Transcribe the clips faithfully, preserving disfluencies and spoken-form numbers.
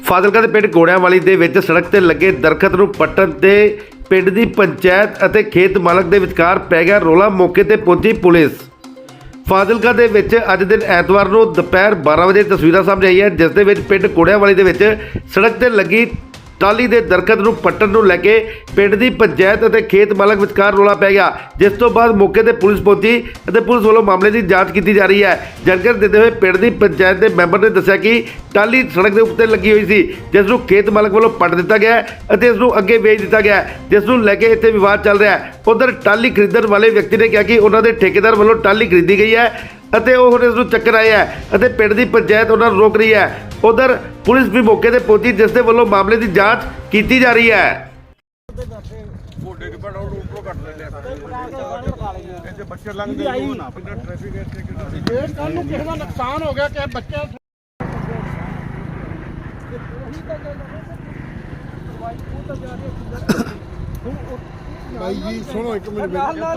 ਫਾਜ਼ਿਲਕਾ ਦੇ ਪਿੰਡ ਗੋੜਿਆਂਵਾਲੀ ਦੇ ਵਿੱਚ ਸੜਕ ਤੇ ਲੱਗੇ ਦਰਖਤ ਨੂੰ ਪੱਟਣ ਤੇ ਪਿੰਡ ਦੀ ਪੰਚਾਇਤ ਅਤੇ ਖੇਤ ਮਾਲਕ ਦੇ ਵਿਚਕਾਰ ਪੈ ਗਿਆ ਰੌਲਾ। ਮੌਕੇ ਤੇ ਪਹੁੰਚੀ ਪੁਲਿਸ। ਫਾਜ਼ਿਲਕਾ ਦੇ ਵਿੱਚ ਅੱਜ ਦਿਨ ਐਤਵਾਰ ਨੂੰ ਦੁਪਹਿਰ ਬਾਰਾਂ ਵਜੇ ਤਸਵੀਰਾਂ ਸਾਹਮਣੇ ਆਈਆਂ, ਜਿਸ ਦੇ ਵਿੱਚ ਪਿੰਡ ਗੋੜਿਆਂਵਾਲੀ ਦੇ ਵਿੱਚ ਸੜਕ ਤੇ ਲੱਗੀ ਟਾਲੀ ਦੇ ਦਰਖਤ ਨੂੰ ਪੱਟਣ ਨੂੰ ਲੈ ਕੇ ਪਿੰਡ ਦੀ ਪੰਚਾਇਤ ਅਤੇ ਖੇਤ ਮਾਲਕ ਵਿਚਕਾਰ ਰੌਲਾ ਪੈ ਗਿਆ, ਜਿਸ ਤੋਂ ਬਾਅਦ ਮੌਕੇ ਤੇ ਪੁਲਿਸ ਪਹੁੰਚੀ ਅਤੇ ਪੁਲਿਸ ਵੱਲੋਂ ਮਾਮਲੇ ਦੀ ਜਾਂਚ ਕੀਤੀ ਜਾ ਰਹੀ ਹੈ। ਜਾਣਕਾਰੀ ਦਿੰਦੇ ਹੋਏ ਪਿੰਡ ਦੀ ਪੰਚਾਇਤ ਦੇ ਮੈਂਬਰ ਨੇ ਦੱਸਿਆ ਕਿ ਟਾਲੀ ਸੜਕ ਦੇ ਉੱਤੇ ਲੱਗੀ ਹੋਈ ਸੀ, ਜਿਸ ਨੂੰ ਖੇਤ ਮਾਲਕ ਵੱਲੋਂ ਪੱਟ ਦਿੱਤਾ ਗਿਆ ਅਤੇ ਇਸ ਨੂੰ ਅੱਗੇ ਵੇਚ ਦਿੱਤਾ ਗਿਆ, ਜਿਸ ਨੂੰ ਲੈ ਕੇ ਇੱਥੇ ਵਿਵਾਦ ਚੱਲ ਰਿਹਾ ਹੈ। ਉਧਰ ਟਾਲੀ ਖਰੀਦਣ ਵਾਲੇ ਵਿਅਕਤੀ ਨੇ ਕਿਹਾ ਕਿ ਉਹਨਾਂ ਦੇ ਠੇਕੇਦਾਰ ਵੱਲੋਂ ਟਾਲੀ ਖਰੀਦੀ ਗਈ ਹੈ ਅਤੇ ਉਹ ਹੁਣ ਇਸ ਨੂੰ ਚੱਕਰ ਆਏ ਹੈ ਅਤੇ ਪਿੰਡ ਦੀ ਪੰਚਾਇਤ ਉਹਨਾਂ ਨੂੰ ਰੋਕ ਰਹੀ ਹੈ। ਉਧਰ ਪੁਲਿਸ ਵੀ ਮੌਕੇ ਤੇ ਪਹੁੰਚੀ, ਜਿਸ ਦੇ ਵੱਲੋਂ ਮਾਮਲੇ ਦੀ ਜਾਂਚ ਕੀਤੀ ਜਾ ਰਹੀ ਹੈ। ਬੱਚੇ ਲੰਘਦੇ ਨਾ ਟ੍ਰੈਫਿਕ ਇਸ ਕੱਲ ਨੂੰ ਕਿਸੇ ਦਾ ਨੁਕਸਾਨ ਹੋ ਗਿਆ ਕਿ ਬੱਚਾ ਭਾਈ ਜੀ ਸੁਣੋ ਇੱਕ ਮਿੰਟ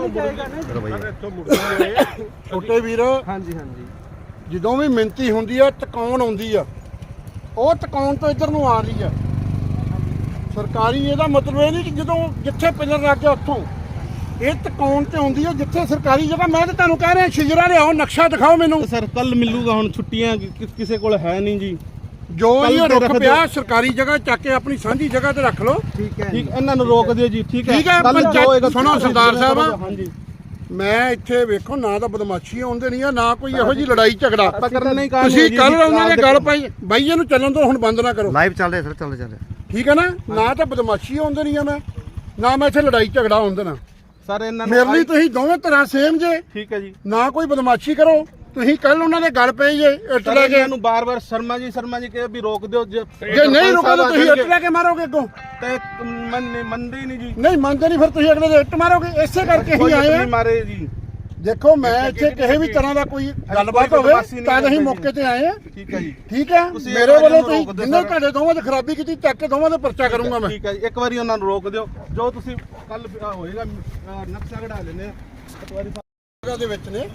ਛੋਟੇ ਵੀਰ। ਹਾਂਜੀ ਹਾਂਜੀ ਜਦੋਂ ਵੀ ਮਿਹਨਤੀ ਹੁੰਦੀ ਆ ਟਿਕਾਉਣ ਆਉਂਦੀ ਆ, ਉਹ ਟਿਕਾਉਣ ਤੋਂ ਇੱਧਰ ਨੂੰ ਆ ਰਹੀ ਆ ਸਰਕਾਰੀ। ਇਹਦਾ ਮਤਲਬ ਇਹ ਨਹੀਂ ਕਿ ਜਦੋਂ ਜਿੱਥੇ ਪਿਲਰ ਲੱਗ ਗਿਆ ਉੱਥੋਂ ਇਹ ਟਿਕਾਉਣ ਤੇ ਆਉਂਦੀ ਆ ਜਿੱਥੇ ਸਰਕਾਰੀ ਜਗ੍ਹਾ। ਮੈਂ ਤਾਂ ਤੁਹਾਨੂੰ ਕਹਿ ਰਿਹਾ ਸ਼ਿਜਰਾ ਲਿਆਓ, ਨਕਸ਼ਾ ਦਿਖਾਓ ਮੈਨੂੰ। ਸਰ ਕੱਲ ਮਿਲੂਗਾ, ਹੁਣ ਛੁੱਟੀਆਂ ਕਿਸੇ ਕੋਲ ਹੈ ਨਹੀਂ ਜੀ। ਜੋ ਇਹ ਰੁੱਖ ਪਿਆ ਸਰਕਾਰੀ ਜਗ੍ਹਾ ਚੱਕ ਕੇ ਆਪਣੀ ਸਾਂਝੀ ਜਗ੍ਹਾ ਤੇ ਰੱਖ ਲਓ। ਠੀਕ ਹੈ, ਠੀਕ, ਇਹਨਾਂ ਨੂੰ ਰੋਕ ਦਿਓ ਜੀ। ਠੀਕ ਹੈ, ਠੀਕ ਹੈ। ਪੰਚਾਇਤ ਸੁਣੋ ਸਰਦਾਰ ਸਾਹਿਬ, ਹਾਂਜੀ ਮੈਂ ਇੱਥੇ ਵੇਖੋ ਨਾ ਤਾਂ ਬਦਮਾਸ਼ੀ ਆਉਂਦੇ ਨਹੀਂ ਆ, ਨਾ ਕੋਈ ਇਹੋ ਜੀ ਲੜਾਈ ਝਗੜਾ। ਤੁਸੀਂ ਕੱਲ ਉਹਨਾਂ ਦੇ ਗੱਲ ਪਾਈ ਬਾਈ ਇਹਨੂੰ ਚੱਲਣ ਤੋਂ ਹੁਣ ਬੰਦ ਨਾ ਕਰੋ। ਲਾਈਵ ਚੱਲ ਰਿਹਾ ਸਰ, ਚੱਲ ਰਿਹਾ ਚੱਲ ਰਿਹਾ ਠੀਕ ਹੈ ਨਾ। ਨਾ ਤਾਂ ਬਦਮਾਸ਼ੀ ਆਉਂਦੇ ਨਹੀਂ ਆ, ਮੈਂ ਨਾ ਮੈਂ ਇੱਥੇ ਲੜਾਈ ਝਗੜਾ ਆਉਂਦੇ ਨਾ। ਸਰ ਇਹਨਾਂ ਨੂੰ ਮੇਰੇ ਲਈ ਤੁਸੀਂ ਦੋਵੇਂ ਤਰ੍ਹਾਂ ਸੇਮ ਜੇ। ਠੀਕ ਹੈ ਜੀ, ਨਾ ਕੋਈ ਬਦਮਾਸ਼ੀ ਕਰੋ। ਤੁਸੀਂ ਕੱਲ ਉਹਨਾਂ ਦੇ ਗੱਲ ਪਏ ਜੇ ਇੱਟ ਲੈ ਕੇ। ਇਹਨੂੰ ਬਾਰ-ਬਾਰ ਸ਼ਰਮਾ ਜੀ ਸ਼ਰਮਾ ਜੀ ਕਹੇ ਵੀ ਰੋਕ ਦਿਓ। ਜੇ ਨਹੀਂ ਰੋਕੋਗੇ ਤੁਸੀਂ ਇੱਟ ਲੈ ਕੇ ਮਾਰੋਗੇ ਅੱਗੋਂ ਤੇ ਮੰਨਦੇ ਹੀ ਨਹੀਂ ਜੀ। ਨਹੀਂ ਮੰਨਦੇ ਨਹੀਂ, ਫਿਰ ਤੁਸੀਂ ਅਗਲੇ ਦੇ ਇੱਟ ਮਾਰੋਗੇ। ਇਸੇ ਕਰਕੇ ਹੀ ਆਏ ਆ। ਮਾਰੇ ਜੀ। ਦੇਖੋ ਮੈਂ ਇੱਥੇ ਕਿਸੇ ਵੀ ਤਰ੍ਹਾਂ ਦਾ ਕੋਈ ਗੱਲਬਾਤ ਹੋਵੇ ਤਾਂ ਅਸੀਂ ਮੌਕੇ ਤੇ ਆਏ ਆ। ਠੀਕ ਹੈ ਜੀ, ਠੀਕ ਹੈ। ਮੇਰੇ ਵੱਲੋਂ ਤੁਸੀਂ ਜਿੰਨੇ ਤੁਹਾਡੇ ਦੋਵਾਂ ਦੀ ਖਰਾਬੀ ਕੀਤੀ ਚੱਕ ਕੇ ਦੋਵਾਂ ਦਾ ਪਰਚਾ ਕਰੂੰਗਾ ਮੈਂ। ਠੀਕ ਹੈ ਜੀ, ਇੱਕ ਵਾਰੀ ਉਹਨਾਂ ਨੂੰ ਰੋਕ ਦਿਓ। ਜੋ ਤੁਸੀਂ ਕੱਲ ਹੋਏਗਾ ਨਕਸ਼ਾ ਕਢਾ ਲੈਣੇ ਇੱਕ ਵਾਰੀ ਜਗ੍ਹਾ ਦੇ ਵਿੱਚ ਨੇ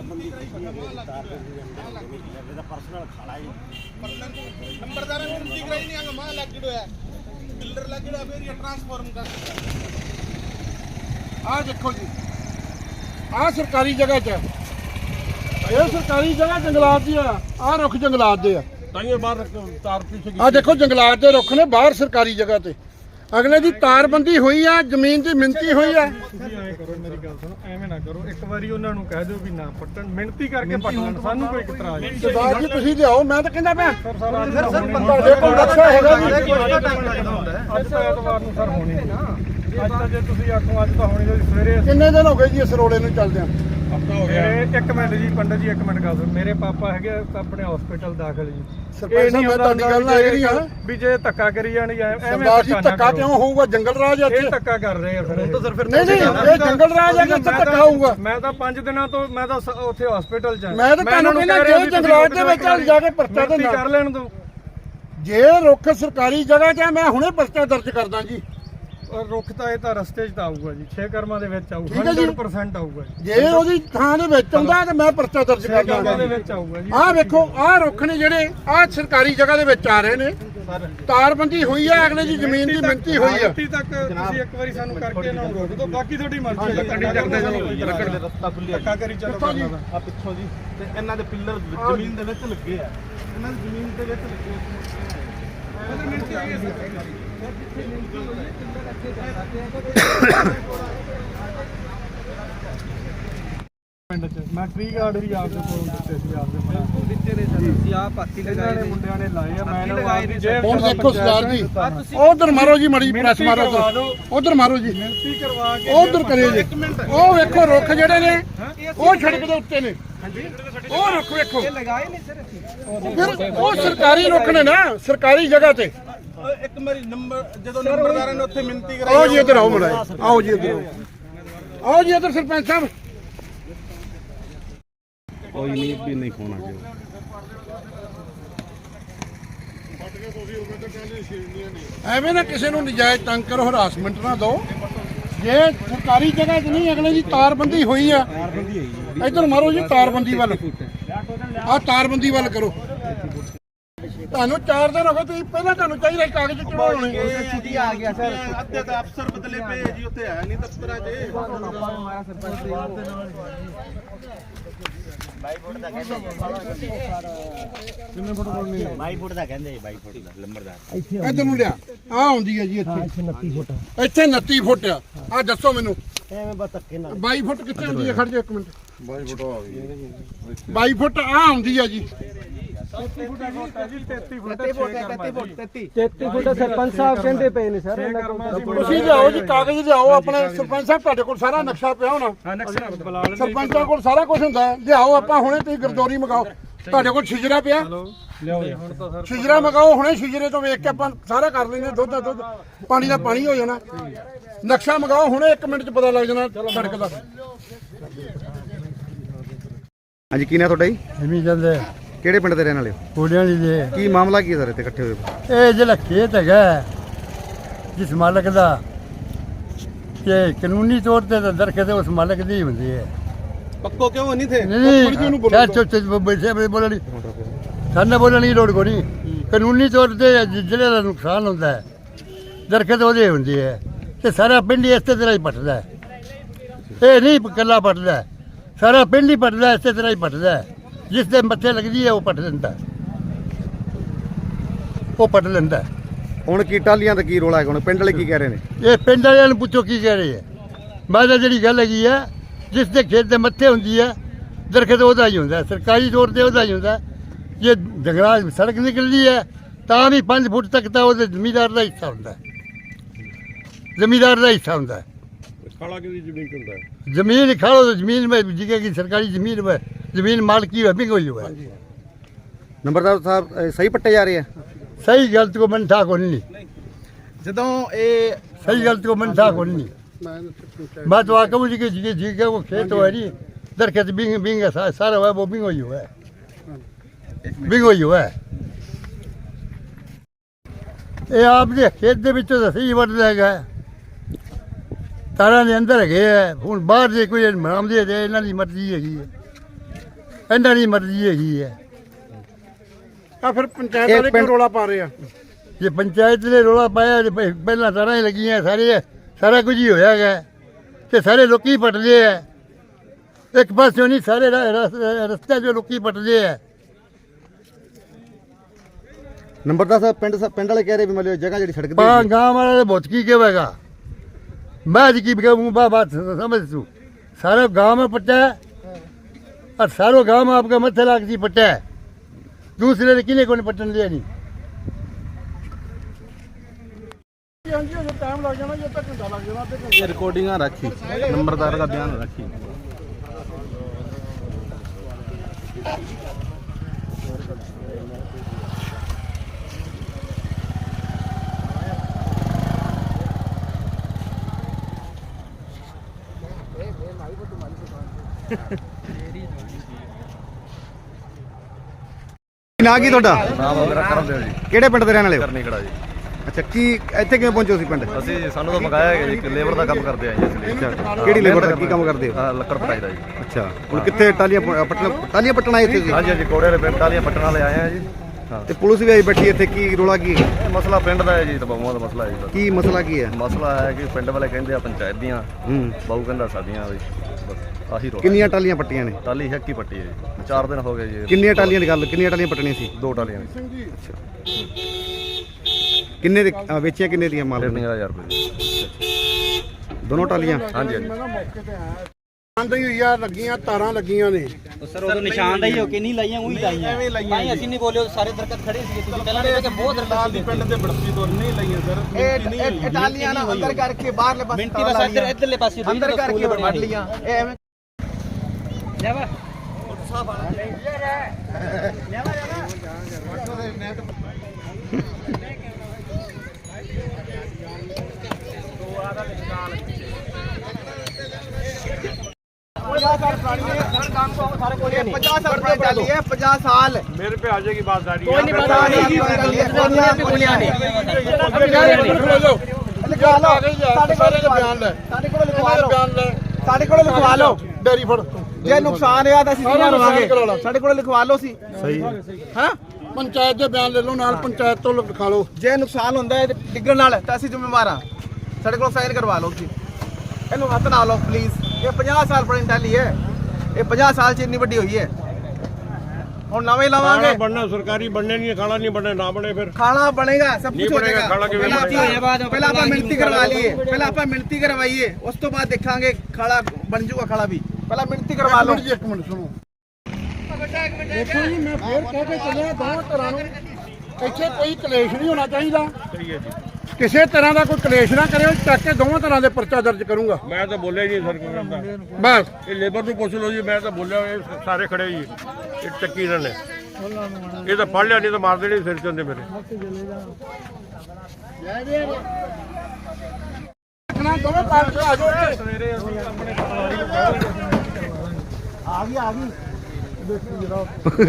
ਨੰਬਰਦਾਰਾਂ ਨੂੰ ਠੀਕ ਰਹੀ ਨਹੀਂ ਆ ਮਾਂ ਲੱਗ ਜੜਿਆ ਬਿਲਡਰ ਲੱਗ ਜੜਿਆ ਫਿਰ ਇਹ ਟ੍ਰਾਂਸਫਾਰਮ ਕਰ। ਆਹ ਦੇਖੋ ਜੀ, ਆਹ ਸਰਕਾਰੀ ਜਗ੍ਹਾ 'ਚ ਇਹ ਸਰਕਾਰੀ ਜਗ੍ਹਾ ਜੰਗਲਾਤ ਦੀ ਆ। ਆਹ ਰੁੱਖ ਜੰਗਲਾਤ ਦੇ ਆ। ਤਾਈਓ ਬਾਹਰ ਤਾਰ ਪਿੱਛੇ ਆਹ ਦੇਖੋ ਜੰਗਲਾਤ ਦੇ ਰੁੱਖ ਨੇ ਬਾਹਰ ਸਰਕਾਰੀ ਜਗ੍ਹਾ ਤੇ। ਅਗਲੇ ਦੀ ਤਾਰਬੰਦੀ ਹੋਈ ਆ, ਜ਼ਮੀਨ ਦੀ ਮਿਣਤੀ ਹੋਈ ਆ। ਤੁਸੀਂ ਐਂ ਕਰੋ, ਮੇਰੀ ਗੱਲ ਸੁਣੋ, ਐਵੇਂ ਨਾ ਕਰੋ। ਇੱਕ ਵਾਰੀ ਉਹਨਾਂ ਨੂੰ ਕਹਿ ਦਿਓ ਵੀ ਨਾ ਪੱਟਣ, ਮਿਹਨਤੀ ਕਰਕੇ ਪੱਟਣ, ਸਾਨੂੰ ਕੋਈ ਇਤਰਾਜ਼ ਨਹੀਂ। ਸਰਦਾਰ ਜੀ ਤੁਸੀਂ ਲਿਆਓ, ਮੈਂ ਤਾਂ ਕਹਿੰਦਾ ਪਿਆ ਸਰ ਸਾਰਾ ਤੁਹਾਡੇ ਕੋਲ ਨਕਸ਼ਾ ਹੈਗਾ ਜੀ। ਅੱਜ ਤਾਂ ਐਤਵਾਰ ਨੂੰ ਸਰ ਹੋਣੀ ਨਹੀਂ। ਅੱਜ ਤਾਂ ਜੇ ਤੁਸੀਂ ਆਖੋ ਅੱਜ ਤਾਂ ਹੋਣੀ ਨਹੀਂ, ਸਵੇਰੇ ਕਿੰਨੇ ਦਿਨ ਹੋ ਗਏ ਜੀ ਇਸ ਰੋਲੇ ਨੂੰ ਚੱਲਦਿਆਂ? ਹਫਤਾ ਹੋ ਗਿਆ। ਇੱਕ ਮਿੰਟ ਜੀ ਪੰਡਤ ਜੀ, ਇੱਕ ਮਿੰਟ ਗੱਲ ਸੁਣੋ। ਮੇਰੇ ਪਾਪਾ ਹੈਗੇ ਆਪਣੇ ਹਸਪੀਟਲ ਦਾਖਲ ਜੀ। ਸਰਪੰਚ ਸਾਹਿਬ ਮੈਂ ਤੁਹਾਡੀ ਗੱਲ ਨਾਲ ਐਗਰੀ ਹਾਂ ਵੀ ਜੇ ਧੱਕਾ ਕਰੀ ਜਾਣੀ ਐਵੇਂ ਸਰਦਾਰ ਜੀ ਧੱਕਾ ਕਿਉਂ ਹੋਊਗਾ? ਜੰਗਲ ਰਾਜ ਇੱਥੇ ਇਹ ਧੱਕਾ ਕਰ ਰਹੇ ਆ ਫਿਰ। ਨਹੀਂ ਨਹੀਂ ਇਹ ਜੰਗਲ ਰਾਜ ਹੈ ਕਿ ਇੱਥੇ ਧੱਕਾ ਹੋਊਗਾ? ਮੈਂ ਤਾਂ ਪੰਜ ਦਿਨਾਂ ਤੋਂ ਮੈਂ ਤਾਂ ਉੱਥੇ ਹਸਪੀਟਲ ਚ ਮੈਂ ਤਾਂ ਤੁਹਾਨੂੰ ਕਹਿੰਦਾ ਜੇ ਜੰਗਲਾਤ ਦੇ ਵਿੱਚ ਜਾ ਕੇ ਪਰਚਾ ਤੇ ਕਰ ਲੈਣ ਦੋ। ਜੇ ਰੁੱਖ ਸਰਕਾਰੀ ਜਗ੍ਹਾ 'ਚ ਮੈਂ ਹੁਣੇ ਪਰਚਾ ਦਰਜ ਕਰਦਾ ਜੀ। ਰੁੱਖ ਤਾਂ ਇਹ ਤਾਂ ਰਸਤੇ 'ਚ ਤਾਂ ਆਊਗਾ ਜੀ, ਛੇ ਕਰਮਾਂ ਦੇ ਵਿੱਚ ਆਊਗਾ, ਸੌ ਪਰਸੈਂਟ ਆਊਗਾ ਜੀ। ਜੇ ਉਹਦੀ ਥਾਂ ਦੇ ਵਿੱਚ ਆਉਂਦਾ ਤਾਂ ਮੈਂ ਪਰਚਾ ਦਰਜ ਕਰਦਾ ਦੇ ਵਿੱਚ ਆਊਗਾ ਜੀ। ਆਹ ਵੇਖੋ ਆਹ ਰੁੱਖ ਨੇ ਜਿਹੜੇ ਆਹ ਸਰਕਾਰੀ ਜਗ੍ਹਾ ਦੇ ਵਿੱਚ ਆ ਰਹੇ ਨੇ। ਤਾਰਬੰਦੀ ਹੋਈ ਹੈ, ਅਗਲੇ ਦੀ ਜ਼ਮੀਨ ਦੀ ਮਿਣਤੀ ਹੋਈ ਹੈ। ਮਿਣਤੀ ਤੱਕ ਤੁਸੀਂ ਇੱਕ ਵਾਰੀ ਸਾਨੂੰ ਕਰਕੇ ਨਾ ਰੋਕ ਦਿਓ, ਬਾਕੀ ਤੁਹਾਡੀ ਮਰਜ਼ੀ ਹੈ। ਕੱਢੀ ਕਰਦੇ ਚਲੋ, ਰਸਤਾ ਖੁੱਲਿਆ ਧੱਕਾ ਕਰੀ ਚਲੋ ਆ ਪਿੱਛੋਂ ਜੀ। ਤੇ ਇਹਨਾਂ ਦੇ ਪਿੱਲਰ ਜ਼ਮੀਨ ਦੇ ਵਿੱਚ ਲੱਗੇ ਆ, ਇਹਨਾਂ ਦੀ ਜ਼ਮੀਨ ਦੇ ਵਿੱਚ ਲੱਗੇ ਆ। ਮਿਣਤੀ ਆਈ ਹੈ ਪਿੰਡ ਚ। ਮੈਂ ਟ੍ਰੀ ਗਾਰਡ ਵੀ ਆਪਦੇ ਕੋਲ ਦਿੱਤੇ ਸੀ, ਆਪਦੇ ਦਿੱਤੇ ਨੇ ਸਰ। ਤੁਸੀਂ ਆਪ ਪਾਤੀ ਲਗਾਏ ਨੇ, ਮੁੰਡਿਆਂ ਨੇ ਲਾਏ ਆ। ਮੈਂ ਲਗਾਏ ਨੇ। ਹੁਣ ਦੇਖੋ ਸਰਦਾਰ ਜੀ ਉਧਰ ਮਾਰੋ ਜੀ, ਮੜੀ ਪ੍ਰੈਸ ਮਾਰੋ ਉਧਰ ਮਾਰੋ ਜੀ, ਮਿਹਨਤੀ ਕਰਵਾ ਕੇ ਉਧਰ ਕਰਿਓ ਜੀ। ਉਹ ਵੇਖੋ ਰੁੱਖ ਜਿਹੜੇ ਨੇ ਉਹ ਸੜਕ ਦੇ ਉੱਤੇ ਨੇ। ਉਹ ਰੁੱਖ ਵੇਖੋ, ਲਗਾਏ ਨਹੀਂ ਸਰ ਅਸੀਂ। ਫਿਰ ਉਹ ਸਰਕਾਰੀ ਰੁੱਖ ਨੇ ਨਾ, ਸਰਕਾਰੀ ਜਗ੍ਹਾ ਤੇ। ਇੱਕ ਵਾਰੀ ਨੰਬਰ ਜਦੋਂ ਨੰਬਰਦਾਰਾਂ ਨੇ ਉੱਥੇ ਮਿਹਨਤੀ ਕਰਾਈ। ਆਓ ਜੀ ਇੱਧਰ ਆਓ ਮਲਾਈ, ਆਓ ਜੀ ਇੱਧਰ ਆਓ। ਆਓ ਜੀ ਇੱਧਰ ਸਰਪੰਚ ਸਾਹਿਬ। ਕੋਈ ਨਹੀਂ ਵੀ ਨਹੀਂ ਹੋਣਾ ਜੀ। ਐਵੇਂ ਨਾ ਕਿਸੇ ਨੂੰ ਨਜਾਇਜ਼ ਤੰਗ ਕਰੋ, ਹਰਾਸਮੈਂਟ ਨਾ ਦਿਓ। ਜੇ ਸਰਕਾਰੀ ਜਗ੍ਹਾ 'ਚ ਨਹੀਂ, ਅਗਲੇ ਦੀ ਤਾਰਬੰਦੀ ਹੋਈ ਆ। ਇੱਧਰ ਮਾਰੋ ਜੀ ਤਾਰਬੰਦੀ ਵੱਲ, ਆਹ ਤਾਰਬੰਦੀ ਵੱਲ ਕਰੋ। ਤੁਹਾਨੂੰ ਚਾਰ ਦਿਨ ਹੋ ਗਏ ਤੁਸੀਂ ਪਹਿਲਾਂ ਤੁਹਾਨੂੰ ਚਾਹੀਦਾ ਸੀ ਕਾਗਜ਼ ਕਿਉਂ ਹੋਣੇ ਛੁੱਟੀ ਆ ਗਿਆ ਸਰ ਅੱਧੇ ਤਾਂ ਅਫਸਰ ਬਦਲੇ ਪਏ ਜੀ ਉੱਥੇ ਹੈ ਨਹੀਂ ਦਫ਼ਤਰਾਂ 'ਚ ਬਾਈ ਫੁੱਟ ਦਾ ਕਹਿੰਦੇ ਕਿੰਨੇ ਫੁੱਟ ਕੋਲ ਬਾਈ ਫੁੱਟ ਦਾ ਕਹਿੰਦੇ ਬਾਈ ਫੁੱਟ ਦਾ ਲੰਬਰਦਾਰ ਇੱਧਰ ਨੂੰ ਲਿਆ ਆ ਆਉਂਦੀ ਹੈ ਜੀ ਇੱਥੇ ਇੱਥੇ ਉਨੱਤੀ ਫੁੱਟ ਇੱਥੇ ਉਨੱਤੀ ਫੁੱਟ ਆ ਆਹ ਦੱਸੋ ਮੈਨੂੰ ਐਵੇਂ ਬਸ ਧੱਕੇ ਨਾਲ ਬਾਈ ਫੁੱਟ ਕਿੱਥੇ ਆਉਂਦੀ ਹੈ ਖੜ ਜਾ ਇੱਕ ਮਿੰਟ ਬਾਈ ਫੁੱਟ ਆ ਗਈ ਬਾਈ ਫੁੱਟ ਆ ਆਉਂਦੀ ਹੈ ਜੀ ਤੇਤੀ ਫੁੱਟ ਹੈ ਜੀ ਤੇਤੀ ਫੁੱਟ ਤੇਤੀ ਫੁੱਟ ਤੇਤੀ ਫੁੱਟ ਤੇਤੀ ਤੇਤੀ ਫੁੱਟ ਸਰਪੰਚ ਸਾਹਿਬ ਕਹਿੰਦੇ ਪਏ ਨੇ ਸਰ ਤੁਸੀਂ ਲਿਆਓ ਜੀ ਕਾਗਜ਼ ਲਿਆਓ ਆਪਣੇ ਸਰਪੰਚ ਸਾਹਿਬ ਤੁਹਾਡੇ ਕੋਲ ਸਾਰਾ ਨਕਸ਼ਾ ਪਿਆ ਹੋਣਾ ਹਾਂ ਨਕਸ਼ਾ ਬੁਲਾ ਲੈਂਦੇ ਸਰਪੰਚਾਂ ਕੋਲ ਸਾਰਾ ਕੁਝ ਹੁੰਦਾ ਹੈ। ਲਿਆਓ ਆਪਾਂ ਹੁਣੇ ਤੁਸੀਂ ਗਰਦੌਰੀ ਮਗਾਓ ਤੁਹਾਡੇ ਕੋਲ ਛਿਜਰਾ ਪਿਆ ਲਿਆਓ ਜੀ ਹੁਣ ਤਾਂ ਸਰ ਛਿਜਰਾ ਮਗਾਓ ਹੁਣੇ ਛਿਜਰੇ ਤੋਂ ਵੇਖ ਕੇ ਆਪਾਂ ਸਾਰਾ ਕਰ ਲੈਂਦੇ ਦੁੱਧ ਦਾ ਦੁੱਧ ਪਾਣੀ ਦਾ ਪਾਣੀ ਹੋ ਜਾਣਾ ਨਕਸ਼ਾ ਮਗਾਓ ਹੁਣੇ ਇੱਕ ਮਿੰਟ ਚ ਪਤਾ ਲੱਗ ਜਾਣਾ ਸੜਕ ਦਾ ਹਾਂਜੀ ਕੀ ਨਾਂ ਤੁਹਾਡਾ ਜੀ ਐਵੇਂ ਜਾਂਦੇ ਕਿਹੜੇ ਪਿੰਡ ਦੇ ਰਹਿਣ ਵਾਲੇ ਹੋ ਕੋੜਿਆਂ ਦੀ ਦੇ ਕੀ ਮਾਮਲਾ ਕੀ ਹੈ ਸਰ ਇੱਥੇ ਇਕੱਠੇ ਹੋਏ ਇਹ ਜਿਹੜਾ ਖੇਤ ਹੈਗਾ ਜਿਸ ਮਾਲਕ ਦਾ ਕਿ ਕਾਨੂੰਨੀ ਤੌਰ ਤੇ ਤਾਂ ਦਰਖਤ ਉਸ ਮਾਲਕ ਦੀ ਹੁੰਦੀ ਹੈ ਪੱਕੋ ਕਿਉਂ ਨਹੀਂ ਥੇ ਨਹੀਂ ਚਾਹ ਚੋਚ ਬੈਠੇ ਬੋਲਣੀ ਸਾਡਾ ਬੋਲਣ ਦੀ ਲੋੜ ਕੋਈ ਨਹੀਂ ਕਾਨੂੰਨੀ ਤੌਰ ਤੇ ਜਿਹੜੇ ਦਾ ਨੁਕਸਾਨ ਹੁੰਦਾ ਹੈ ਦਰਖਤ ਉਹਦੇ ਹੁੰਦੀ ਹੈ ਤੇ ਸਾਰਾ ਪਿੰਡ ਹੀ ਇਸੇ ਤਰ੍ਹਾਂ ਹੀ ਪੱਟਦਾ ਹੈ ਇਹ ਨਹੀਂ ਇਕੱਲਾ ਪੱਟਦਾ ਹੈ, ਸਾਰਾ ਪਿੰਡ ਹੀ ਪੱਟਦਾ ਇਸੇ ਤਰ੍ਹਾਂ ਹੀ ਪੱਟਦਾ ਹੈ ਜਿਸ ਦੇ ਮੱਥੇ ਲੱਗਦੀ ਹੈ ਉਹ ਪੱਟ ਦਿੰਦਾ ਉਹ ਪੱਟ ਲੈਂਦਾ ਹੁਣ ਕੀ ਟਾਲੀਆਂ ਦਾ ਕੀ ਰੋਲਾ ਹੈ ਹੁਣ ਪਿੰਡ ਵਾਲੇ ਕੀ ਕਹਿ ਰਹੇ ਨੇ ਇਹ ਪਿੰਡ ਵਾਲਿਆਂ ਨੂੰ ਪੁੱਛੋ ਕੀ ਕਹਿ ਰਹੇ ਹੈ ਮੈਂ ਤਾਂ ਜਿਹੜੀ ਗੱਲ ਹੈਗੀ ਹੈ ਜਿਸ ਦੇ ਖੇਤ ਦੇ ਮੱਥੇ ਹੁੰਦੀ ਹੈ ਦਰਖਤ ਉਹਦਾ ਹੀ ਹੁੰਦਾ ਸਰਕਾਰੀ ਤੌਰ ਤੇ ਉਹਦਾ ਹੀ ਹੁੰਦਾ ਜੇ ਜੰਗਲਾਂ ਸੜਕ ਨਿਕਲਦੀ ਹੈ ਤਾਂ ਵੀ ਪੰਜ ਫੁੱਟ ਤੱਕ ਤਾਂ ਉਹਦੇ ਜ਼ਮੀਂਦਾਰ ਦਾ ਹਿੱਸਾ ਹੁੰਦਾ ਜ਼ਮੀਂਦਾਰ ਦਾ ਹਿੱਸਾ ਹੁੰਦਾ ਖਾਲਾ ਕਿਹਦੀ ਜ਼ਮੀਨ ਹੁੰਦਾ ਜ਼ਮੀਨ ਖਾलो तो जमीन में जिगे की सरकारी जमीन में जमीन मालकी है बिक हुई हुआ है ਨੰਬਰਦਾਰ ਸਾਹਿਬ ਇਹ ਸਹੀ ਪੱਟੇ ਜਾ ਰਹੇ ਆ सही गलत को मन था को नहीं ਜਦੋਂ ਇਹ सही गलत को मन था को नहीं मैं तो आकर मुझे कि जिगे जिगे वो खेत हुआ है नहीं दरखत बिंग बिंग सा, सारा हुआ वो बिंग हुई हुआ है बिंग हुई हुआ है ये आपने खेत ਦੇ ਵਿੱਚੋਂ ਤਾਂ ਸਹੀ ਵੱਢ ਹੈਗਾ ਤਾਰਾਂ ਦੇ ਅੰਦਰ ਹੈਗੇ ਆ ਹੁਣ ਬਾਹਰ ਦੇ ਕੋਈ ਮਰਾਮਦੇ ਦੇ ਇਹਨਾਂ ਦੀ ਮਰਜ਼ੀ ਹੈਗੀ ਹੈ ਇਹਨਾਂ ਦੀ ਮਰਜ਼ੀ ਹੈਗੀ ਹੈ ਆ ਫਿਰ ਪੰਚਾਇਤ ਵਾਲੇ ਕਿਉਂ ਰੋਲਾ ਪਾ ਰਹੇ ਆ ਜੇ ਪੰਚਾਇਤ ਨੇ ਰੌਲਾ ਪਾਇਆ ਤੇ ਪਹਿ- ਪਹਿਲਾਂ ਤਾਰਾਂ ਹੀ ਲੱਗੀਆਂ ਸਾਰੇ ਸਾਰਾ ਕੁਝ ਹੀ ਹੋਇਆ ਹੈਗਾ ਤੇ ਸਾਰੇ ਲੋਕੀ ਪੱਟਦੇ ਆ ਇੱਕ ਪਾਸਿਓਂ ਨਹੀਂ ਸਾਰੇ ਰਾ- ਰਸ- ਰਸਤੇ 'ਚੋਂ ਲੋਕੀ ਪੱਟਦੇ ਆ ਨੰਬਰਦਾਰ ਸਾਹਿਬ ਪਿੰਡ ਪਿੰਡ ਵਾਲੇ ਕਹਿ ਰਹੇ ਵੀ ਮਤਲਬ ਜਗ੍ਹਾ ਜਿਹੜੀ ਸੜਕ ਦੀ ਪਾ ਹੈਗੀ। ਗਾँव वाला तो बहुत की कहेगा मैं जी की कहूँ बा बात समझ तू सारे गांव में पट्टा है और सारो गांव में आपका मत्थे लाग जी पट्टा है दूसरे ने किने को नहीं पट्टन दिया नहीं ਹਾਂਜੀ ਅਜੇ ਟਾਈਮ ਲੱਗ ਜਾਣਾ ਜੇ ਤੱਕ ਘੰਟਾ ਲੱਗ ਜਾਣਾ ਤੇ ਘੰਟਾ ਇਹ ਰਿਕਾਰਡਿੰਗਾਂ ਰੱਖੀ ਨੰਬਰਦਾਰ ਦਾ ਬਿਆਨ ਰੱਖੀ ਨਾਂ ਕੀ ਤੁਹਾਡਾ ਨਾਮ ਮੇਰਾ ਕਰਮਦੇਵ ਜੀ ਕਿਹੜੇ ਪਿੰਡ ਦੇ ਰਹਿਣ ਵਾਲੇ ਹੋ ਕਰਨੀਕੜਾ ਜੀ ਅੱਛਾ ਕੀ ਇੱਥੇ ਕਿਵੇਂ ਪਹੁੰਚੇ ਸੀ ਪਿੰਡ ਅਸੀਂ ਸਾਨੂੰ ਤਾਂ ਮੰਗਾਇਆ ਗਿਆ ਜੀ ਲੇਬਰ ਦਾ ਕੰਮ ਕਰਦੇ ਆ ਜੀ ਇਸ ਲਈ ਅੱਛਾ ਕਿਹੜੀ ਲੇਬਰ ਦਾ ਕੀ ਕੰਮ ਕਰਦੇ ਹੋ ਆਹ ਲੱਕੜ ਪਟਾਈ ਦਾ ਜੀ ਅੱਛਾ ਹੁਣ ਕਿੱਥੇ ਟਾਲੀਆਂ ਪ- ਪੱਟਣ ਟਾਲੀਆਂ ਪੱਟਣ ਆਏ ਇੱਥੇ ਸੀ ਹਾਂਜੀ ਹਾਂਜੀ ਕੋੜੇ ਵਾਲੇ ਪਿੰਡ ਟਾਲੀਆਂ ਪੱਟਣ ਵਾਲੇ ਆਏ ਆ ਜੀ ਹਾਂ ਤੇ ਪੁਲਿਸ ਵੀ ਆਈ ਬੈਠੀ ਇੱਥੇ ਕੀ ਰੋਲਾ ਕੀ ਹੈ? ਇਹ ਮਸਲਾ ਪਿੰਡ ਦਾ ਹੈ ਜੀ ਤਬਾਹੂਆਂ ਦਾ ਮਸਲਾ ਹੈ ਜੀ ਬਸ। ਕੀ ਮਸਲਾ ਕੀ ਹੈ ਮਸਲਾ ਹੈ ਕਿ ਪਿੰਡ ਵਾਲੇ ਕਹਿੰਦੇ ਆ ਪੰਚਾਇਤ ਦੀਆਂ ਹੂੰ ਬਾਹੂ ਕਹਿੰਦਾ ਸਾਡੀਆਂ ਵੀ ਬਸ ਆਹੀ ਰੋਲਾ ਕਿੰਨੀਆਂ ਟਾਲੀਆਂ ਪੱਟੀਆਂ ਨੇ ਟਾਲੀ ਇੱਕ ਹੀ ਪੱਟੀ ਹੈ ਜੀ ਚਾਰ ਦਿਨ ਹੋ ਗਏ ਜੀ ਕਿੰਨੀਆਂ ਟਾਲੀਆਂ ਦੀ ਗੱਲ ਕਿੰਨੀਆਂ ਟਾਲੀਆਂ ਪੱਟਣੀਆਂ ਸੀ ਦੋ ਟਾਲੀਆਂ ਨੇ ਕਿੰਨੇ ਦੇ ਅ, ਵੇਚੀਆਂ ਕਿੰਨੇ ਦੀਆਂ ਮਾਲ ਤਿੰਨ ਹਜ਼ਾਰ ਰੁਪਏ ਜੀ। ਦੋਨੋਂ ਟਾਲੀਆਂ ਹਾਂਜੀ ਹਾਂਜੀ ਮੈਂ ਨਾ ਮੌਕੇ ਤੇ ਆਇਆ ਆਂਦੀ ਹੋਈ ਆ ਲੱਗੀਆਂ ਤਾਰਾਂ ਲੱਗੀਆਂ ਨੇ ਸਰ ਉਹ ਨਿਸ਼ਾਨਦਾਈ ਹੋ ਕੇ ਨਹੀਂ ਲਾਈਆਂ ਉਹੀ ਲਾਈਆਂ ਐਵੇਂ ਲਾਈਆਂ ਭਾਈ ਅਸੀਂ ਨਹੀਂ ਬੋਲੇ ਸਾਰੇ ਦਰਖਤ ਖੜੇ ਸੀ ਤੁਸੀਂ ਪਹਿਲਾਂ ਦੇਖਿਆ ਕਿ ਬਹੁਤ ਦਰਖਤ ਸੀ ਪਿੰਡ ਦੇ ਬੜਤੀ ਤੋਂ ਨਹੀਂ ਲਈਆਂ ਸਰ ਇਹ ਟਾਲੀਆਂ ਨਾ ਅੰਦਰ ਕਰਕੇ ਬਾਹਰਲੇ ਪਾਸੇ ਮਿੰਟੀ ਬਸ ਇੱਧਰ ਇੱਧਰਲੇ ਪਾਸੇ ਅੰਦਰ ਕਰਕੇ ਵੱਢ ਲੀਆਂ ਇਹ ਐਵੇਂ ਲੈ ਵਾ पचास साल चाली है पचास साल मेरे पे आ जाएगी बात सारी कोई नहीं पता ਲਿਖਾ ਲਓ ਸਾਡੇ ਕੋਲ ਬਿਆਨ ਲੈ ਸਾਡੇ ਕੋਲ ਲਿਖਵਾ ਲਓ ਬਿਆਨ ਲੈ ਸਾਡੇ ਕੋਲ ਲਿਖਵਾ ਲਓ ਡੈਰੀ ਫੜ ਜੇ ਨੁਕਸਾਨ ਹੋਇਆ ਤਾਂ ਅਸੀਂ ਕਿਹਨਾਂ ਰਵਾਂਗੇ ਸਾਡੇ ਕੋਲ ਲਿਖਵਾ ਲਓ ਸੀ ਸਹੀ ਹਾਂ ਪੰਚਾਇਤ ਦੇ ਬਿਆਨ ਲੈ ਲਓ ਨਾਲ ਪੰਚਾਇਤ ਤੋਂ ਲਿਖਾ ਲਓ ਜੇ ਨੁਕਸਾਨ ਹੁੰਦਾ ਹੈ ਤੇ ਡਿੱਗਣ ਨਾਲ ਤਾਂ ਅਸੀਂ ਜ਼ਿੰਮੇਵਾਰ ਹਾਂ ਸਾਡੇ ਕੋਲ ਸਾਈਨ ਕਰਵਾ ਲਓ ਜੀ ਇਹਨੂੰ ਹੱਥ ਨਾ ਲਾਓ ਪਲੀਜ਼ ਇਹ ਪੰਜਾਹ ਸਾਲ ਪੁਰਾਣੀ ਟਾਲੀ ਹੈ ਇਹ ਪੰਜਾਹ ਸਾਲ ਚ ਇੰਨੀ ਵੱਡੀ ਹੋਈ ਹੈ ਹੁਣ ਨਵੇਂ ਲਾਵਾਂਗੇ ਬਣਨਾ ਸਰਕਾਰੀ ਬਣਨੇ ਨਹੀਂ ਖਾਣਾ ਨਹੀਂ ਬਣਨਾ ਨਾ ਬਣੇ ਫਿਰ ਖਾਣਾ ਬਣੇਗਾ ਸਭ ਕੁਝ ਹੋ ਜਾਏਗਾ ਖਾਣਾ ਕਿਵੇਂ ਪਹਿਲਾਂ ਆਪਾਂ ਮਿਹਨਤੀ ਕਰਵਾ ਲਈਏ ਪਹਿਲਾਂ ਆਪਾਂ ਮਿਹਨਤੀ ਕਰਵਾਈਏ ਉਸ ਤੋਂ ਬਾਅਦ ਦੇਖਾਂਗੇ ਖਾਣਾ ਬਣ ਜਾਊਗਾ ਖਾਣਾ ਵੀ ਪਹਿਲਾਂ ਮਿਹਨਤੀ ਕਰਵਾ ਲਓ ਜੀ ਇੱਕ ਮਿੰਟ ਸੁਣੋ ਦੇਖੋ ਜੀ ਮੈਂ ਫੇਰ ਕਹਿ ਕੇ ਚੱਲਿਆ ਦੋਵਾਂ ਧਿਰਾਂ ਨੂੰ ਇੱਥੇ ਕੋਈ ਕਲੇਸ਼ ਨਹੀਂ ਹੋਣਾ ਚਾਹੀਦਾ ਸਹੀ ਹੈ ਜੀ ਕਿਸੇ ਤਰ੍ਹਾਂ ਦਾ ਕੋਈ ਕਲੇਸ਼ ਨਾ ਕਰਿਓ ਚੱਕ ਕੇ ਦੋਵਾਂ ਤਰ੍ਹਾਂ ਦੇ ਪਰਚਾ ਦਰਜ ਕਰੂੰਗਾ ਮੈਂ ਤਾਂ ਬੋਲਿਆ ਹੀ ਨਹੀਂ ਸਰ ਕੋਈ ਕਰਦਾ ਬਸ ਇਹ ਲੇਬਰ ਨੂੰ ਪੁੱਛ ਲਓ ਜੀ ਮੈਂ ਤਾਂ ਬੋਲਿਆ ਇਹ ਸਾਰੇ ਖੜੇ ਜੀ ਇਹ ਚੱਕੀ ਇਹਨਾਂ ਨੇ ਇਹ ਤਾਂ ਫੜ ਲਿਆ ਨਹੀਂ ਤਾਂ ਮਾਰ ਦੇਣੇ ਸਿਰ ਚੰਦੇ ਮੇਰੇ ਨਾ ਦੋਵੇਂ ਪਾਸੇ ਆ ਜਾਓ ਸਵੇਰੇ ਅਸੀਂ ਆਪਣੇ ਆ ਗਈ ਆ ਗਈ ਦੇਖੀ ਜਰਾ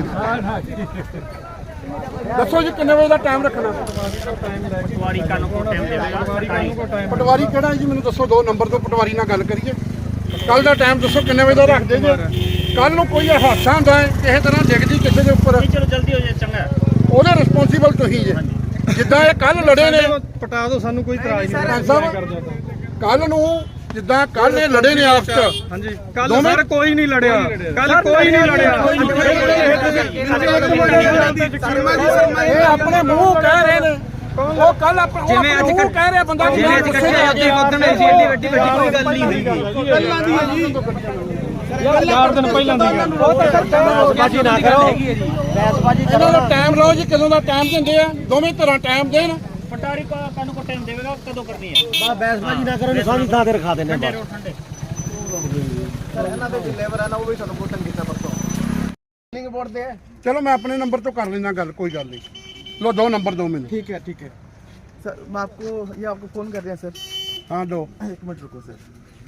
ਦੱਸੋ ਜੀ ਕਿੰਨੇ ਵਜੇ ਦਾ ਟਾਈਮ ਰੱਖਣਾ ਪਟਵਾਰੀ ਕੱਲ ਨੂੰ ਟਾਈਮ ਦੇਵੇਗਾ ਪਟਵਾਰੀ ਕਿਹੜਾ ਜੀ ਮੈਨੂੰ ਦੱਸੋ ਦੋ ਨੰਬਰ ਤੋਂ ਪਟਵਾਰੀ ਨਾਲ ਗੱਲ ਕਰੀਏ ਕੱਲ ਦਾ ਟਾਈਮ ਦੱਸੋ ਕਿੰਨੇ ਵਜੇ ਦਾ ਰੱਖਦੇ ਜੀ ਕੱਲ ਨੂੰ ਕੋਈ ਹਾਦਸਾ ਹੁੰਦਾ ਹੈ ਕਿਸੇ ਤਰ੍ਹਾਂ ਡਿੱਗਦੀ ਕਿਸੇ ਦੇ ਉੱਪਰ ਚਲੋ ਜਲਦੀ ਹੋ ਜਾਏ ਚੰਗਾ ਉਹਦੇ ਰਿਸਪੌਂਸੀਬਲ ਤੁਸੀਂ ਜੇ ਜਿੱਦਾਂ ਇਹ ਕੱਲ ਲੜੇ ਨੇ ਪਟਾ ਦਿਓ ਸਾਨੂੰ ਕੋਈ ਇਤਰਾਜ਼ ਸਰਪੰਚ ਸਾਹਿਬ ਕੱਲ ਨੂੰ ਜਿੱਦਾਂ ਕੱਲ ਇਹ ਲੜੇ ਨੇ ਆਪਸ ਚ ਹਾਂਜੀ ਕੱਲ ਸਰ ਕੋਈ ਨਹੀਂ ਲੜਿਆ ਕੱਲ ਕੋਈ ਨਹੀਂ ਲੜਿਆ ਇਹ ਆਪਣੇ ਮੂੰਹ ਕਹਿ ਰਹੇ ਨੇ ਉਹ ਕੱਲ ਆਪਣੇ ਜਿਵੇਂ ਅੱਜ ਕਹਿ ਰਿਹਾ ਬੰਦਾ ਜਿਵੇਂ ਅੱਜ ਕੱਟੇ ਅੱਗੇ ਉਦਣ ਸੀ ਏਡੀ ਵੱਡੀ ਵੱਡੀ ਕੋਈ ਗੱਲ ਨਹੀਂ ਹੋਈ ਪਹਿਲਾਂ ਦੀ ਹੈ ਜੀ ਚਾਰ ਦਿਨ ਪਹਿਲਾਂ ਦੀ ਗੱਲ ਬੈਸਬਾਜੀ ਨਾ ਕਰੋ ਬੈਸਬਾਜੀ ਕਰੋ ਟਾਈਮ ਲਓ ਜੀ ਕਦੋਂ ਦਾ ਟਾਈਮ ਦਿੰਦੇ ਆ ਦੋਵੇਂ ਤਰ੍ਹਾਂ ਟਾਈਮ ਦੇਣ ਪਟਾਰੀ ਕਾ ਕਾਨੂੰ ਕੋ ਟਾਈਮ ਦੇਵੇਗਾ ਕਦੋਂ ਕਰਨੀ ਹੈ ਬਾ ਬੈਸਬਾਜੀ ਨਾ ਕਰੋ ਨਿਸ਼ਾਨੀ ਥਾਂ ਤੇ ਰਖਾ ਦੇਣੇ ਬਸ ਠੰਡੇ ਇਹਨਾਂ ਦੇ ਜੋ ਲੇਬਰ ਹੈ ਨਾ ਉਹ ਵੀ ਸਾਨੂੰ ਕੋਟਨ ਕੀਤਾ ਪਰਸੋਂ ਬਿਲਿੰਗ ਬੋਰਡ ਦੇ ਚਲੋ ਮੈਂ ਆਪਣੇ ਨੰਬਰ ਤੋਂ ਕਰ ਲੈਣਾ ਗੱਲ ਕੋਈ ਗੱਲ ਨਹੀਂ लो दो नंबर दो मैंने ठीक है ठीक है सर मैं आपको ये आपको फोन कर रहे हैं सर हाँ दो एक मिनट रुको सर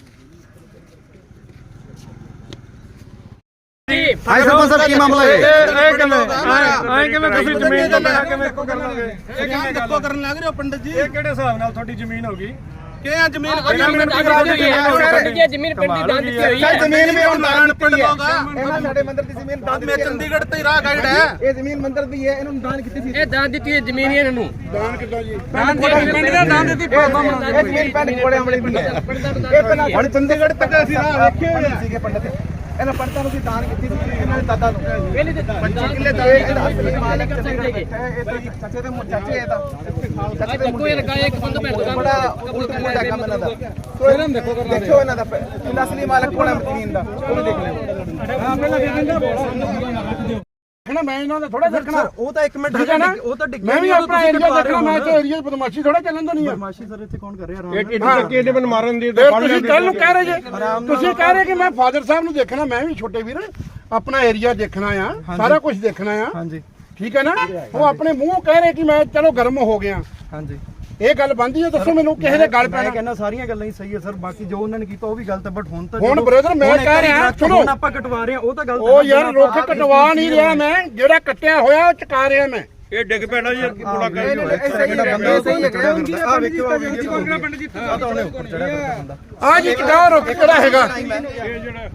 ਭਾਈ ਸਰਪੰਚ ਸਾਹਿਬ ਕੀ ਮਾਮਲਾ ਹੈ ਇਹ ਕਿਵੇਂ ਐ ਕਿਵੇਂ ਤੁਸੀਂ ਜ਼ਮੀਨ ਤੋਂ ਬਿਨਾਂ ਕਿਵੇਂ ਕੋ ਕਰ ਲਾਂਗੇ ਇਹ ਕੰਮ ਦੇਖੋ ਕਰਨ ਲੱਗ ਰਹੇ ਹੋ ਪੰਡਤ ਜੀ ਇਹ ਕਿਹੜੇ ਹਿਸਾਬ ਨਾਲ ਤੁਹਾਡੀ ਜ਼ਮੀਨ ਹੋ ਗਈ ਕਿ ਆ ਜ਼ਮੀਨ ਜ਼ਮੀਨ ਪਿੰਡ ਦੀ ਦਾਨ ਦਿੱਤੀ ਹੋਈ ਹੈ ਜ਼ਮੀਨ ਵੀ ਹੁਣ ਦਾਨ ਪਿੰਡ ਦੋਗਾ ਇਹਨਾਂ ਸਾਡੇ ਮੰਦਰ ਦੀ ਜ਼ਮੀਨ ਦਾਨ ਮੈਂ ਚੰਡੀਗੜ੍ਹ ਤੇ ਰਾਹ ਗਾਈਡ ਹੈ ਇਹ ਜ਼ਮੀਨ ਮੰਦਰ ਦੀ ਹੈ ਇਹਨੂੰ ਦਾਨ ਕੀਤੀ ਸੀ ਇਹ ਦਾਨ ਦਿੱਤੀ ਹੈ ਜ਼ਮੀਨ ਇਹਨਾਂ ਨੂੰ दान कितना जी ਦਾਨ ਪਿੰਡ ਦਾ ਦਾਨ ਦਿੱਤੀ ਇਹ ਜ਼ਮੀਨ ਪਿੰਡ ਕੋੜੇ ਅਮਲੀ ਦੀ ਹੈ ਇਹ ਪਹਿਲਾਂ ਹੁਣ ਚੰਡੀਗੜ੍ਹ ਤੱਕ ਅਸੀਂ ਰਾਹ ਵੇਖੇ ਹੋਏ ਸੀਗੇ ਪੰਡਤ ਇਹਨਾਂ ਪੰਡਤਾਂ ਨੂੰ ਅਸੀਂ ਦਾਨ ਕੀਤੀ ਸੀ ਇਹਨਾਂ ਦੇ ਦਾਦਾ ਨੂੰ ਪਹਿਲੇ ਤੇ ਪੰਜੀ ਕਿੱਲੇ ਦਾ ਇਹਦਾ ਅਸਲੀ ਮਾਲਕ ਚੰਡੀਗੜ੍ਹ ਇਹ ਤਾਂ ਚਾਚੇ ਦੇ ਚਾਚੇ ਇਹਦਾ ਚਾਚੇ ਦੇ ਕੋਈ ਲਗਾਇਆ ਇੱਕ ਬੰਦਾ ਭੈਣ ਦਾ ਬੜਾ ਉਲਟ ਪੁਲਟਾ ਕੰਮ ਇਹਨਾਂ ਦਾ ਸੋ ਇਹਨਾਂ ਨੂੰ ਦੇਖੋ ਕਰਨਾ ਦੇਖੋ ਇਹਨਾਂ ਦਾ ਇਹਦਾ ਅਸਲੀ ਮਾਲਕ ਕੋਣ ਹੈ ਜ਼ਮੀਨ ਦਾ ਉਹ ਵੀ ਦੇਖ ਲਿਓ हाँ पहले देखना मैं इन्हों ने थोड़ा देखना ਉਹ ਤਾਂ ਇੱਕ ਮਿੰਟ ठीक है ना ਉਹ ਤਾਂ ਡਿੱਗ मैं भी अपना एरिया देखना मैं तो एरिया बदमाशी थोड़ा चलन तो नहीं है ਮਾਸ਼ੀ ਸਰ ਇੱਥੇ ਕੌਣ ਕਰ ਰਿਹਾ ਇਹ ਕਿਹੜੀ ਚੱਕੀ ਇਹਦੇ ਮਨ ਮਾਰਨ ਦੀ ਫਿਰ ਤੁਸੀਂ ਕੱਲ ਨੂੰ ਕਹਿ ਰਹੇ ਜੇ ਤੁਸੀਂ ਕਹਿ ਰਹੇ ਕਿ ਮੈਂ ਫਾਦਰ ਸਾਹਿਬ ਨੂੰ ਦੇਖਣਾ ਮੈਂ ਵੀ ਛੋਟੇ ਵੀਰ ਆਪਣਾ ਏਰੀਆ ਦੇਖਣਾ ਆ ਸਾਰਾ ਕੁਝ ਦੇਖਣਾ ਆ ਹਾਂਜੀ ਠੀਕ ਹੈ ਨਾ ਉਹ ਆਪਣੇ ਮੂੰਹੋਂ ਕਹਿ ਰਹੇ ਕਿ ਮੈਂ ਚਲੋ ਗਰਮ ਹੋ ਗਿਆ ਹਾਂਜੀ ਇਹ ਗੱਲ ਬੰਦੀ ਹੈ ਦੱਸੋ ਮੈਨੂੰ ਕਿਸੇ ਦੇ ਗੱਲ ਮੈਂ ਪੈਣਾ ਕਹਿੰਦਾ ਸਾਰੀਆਂ ਗੱਲਾਂ ਹੀ ਸਹੀ ਹੈ ਸਰ ਬਾਕੀ ਜੋ ਉਹਨਾਂ ਨੇ ਕੀਤਾ ਉਹ ਵੀ ਗਲਤ ਹੈ ਬਟ ਹੁਣ ਤਾਂ ਹੁਣ ਬ੍ਰਦਰ ਮੈਂ ਕਹਿ ਰਿਹਾ ਸੁਣੋ ਹੁਣ ਆਪਾਂ ਕਟਵਾ ਰਹੇ ਹਾਂ ਉਹ ਤਾਂ ਗਲਤ ਉਹ ਯਾਰ ਰੁੱਖ ਕਟਵਾ ਨਹੀਂ ਰਿਹਾ ਮੈਂ ਜਿਹੜਾ ਕੱਟਿਆ ਹੋਇਆ ਉਹ ਚਕਾ ਰਿਹਾ ਮੈਂ ਇਹ ਡਿੱਗ ਪੈਣਾ ਜੀ ਪੂਰਾ ਕਰ ਇਹ ਸਹੀ ਹੈ ਸਹੀ ਹੈ ਆ ਵੇਖੋ ਆ ਵੀਡੀਓ ਪਿੰਡ ਜੀ ਆ ਤਾਂ ਉਹਨੇ ਉੱਪਰ ਚੜਿਆ ਹੋਇਆ ਬੰਦਾ ਆ ਜੀ ਚਕਾ ਰੁੱਖ ਕਿਹੜਾ ਹੈਗਾ ਇਹ ਜਿਹੜਾ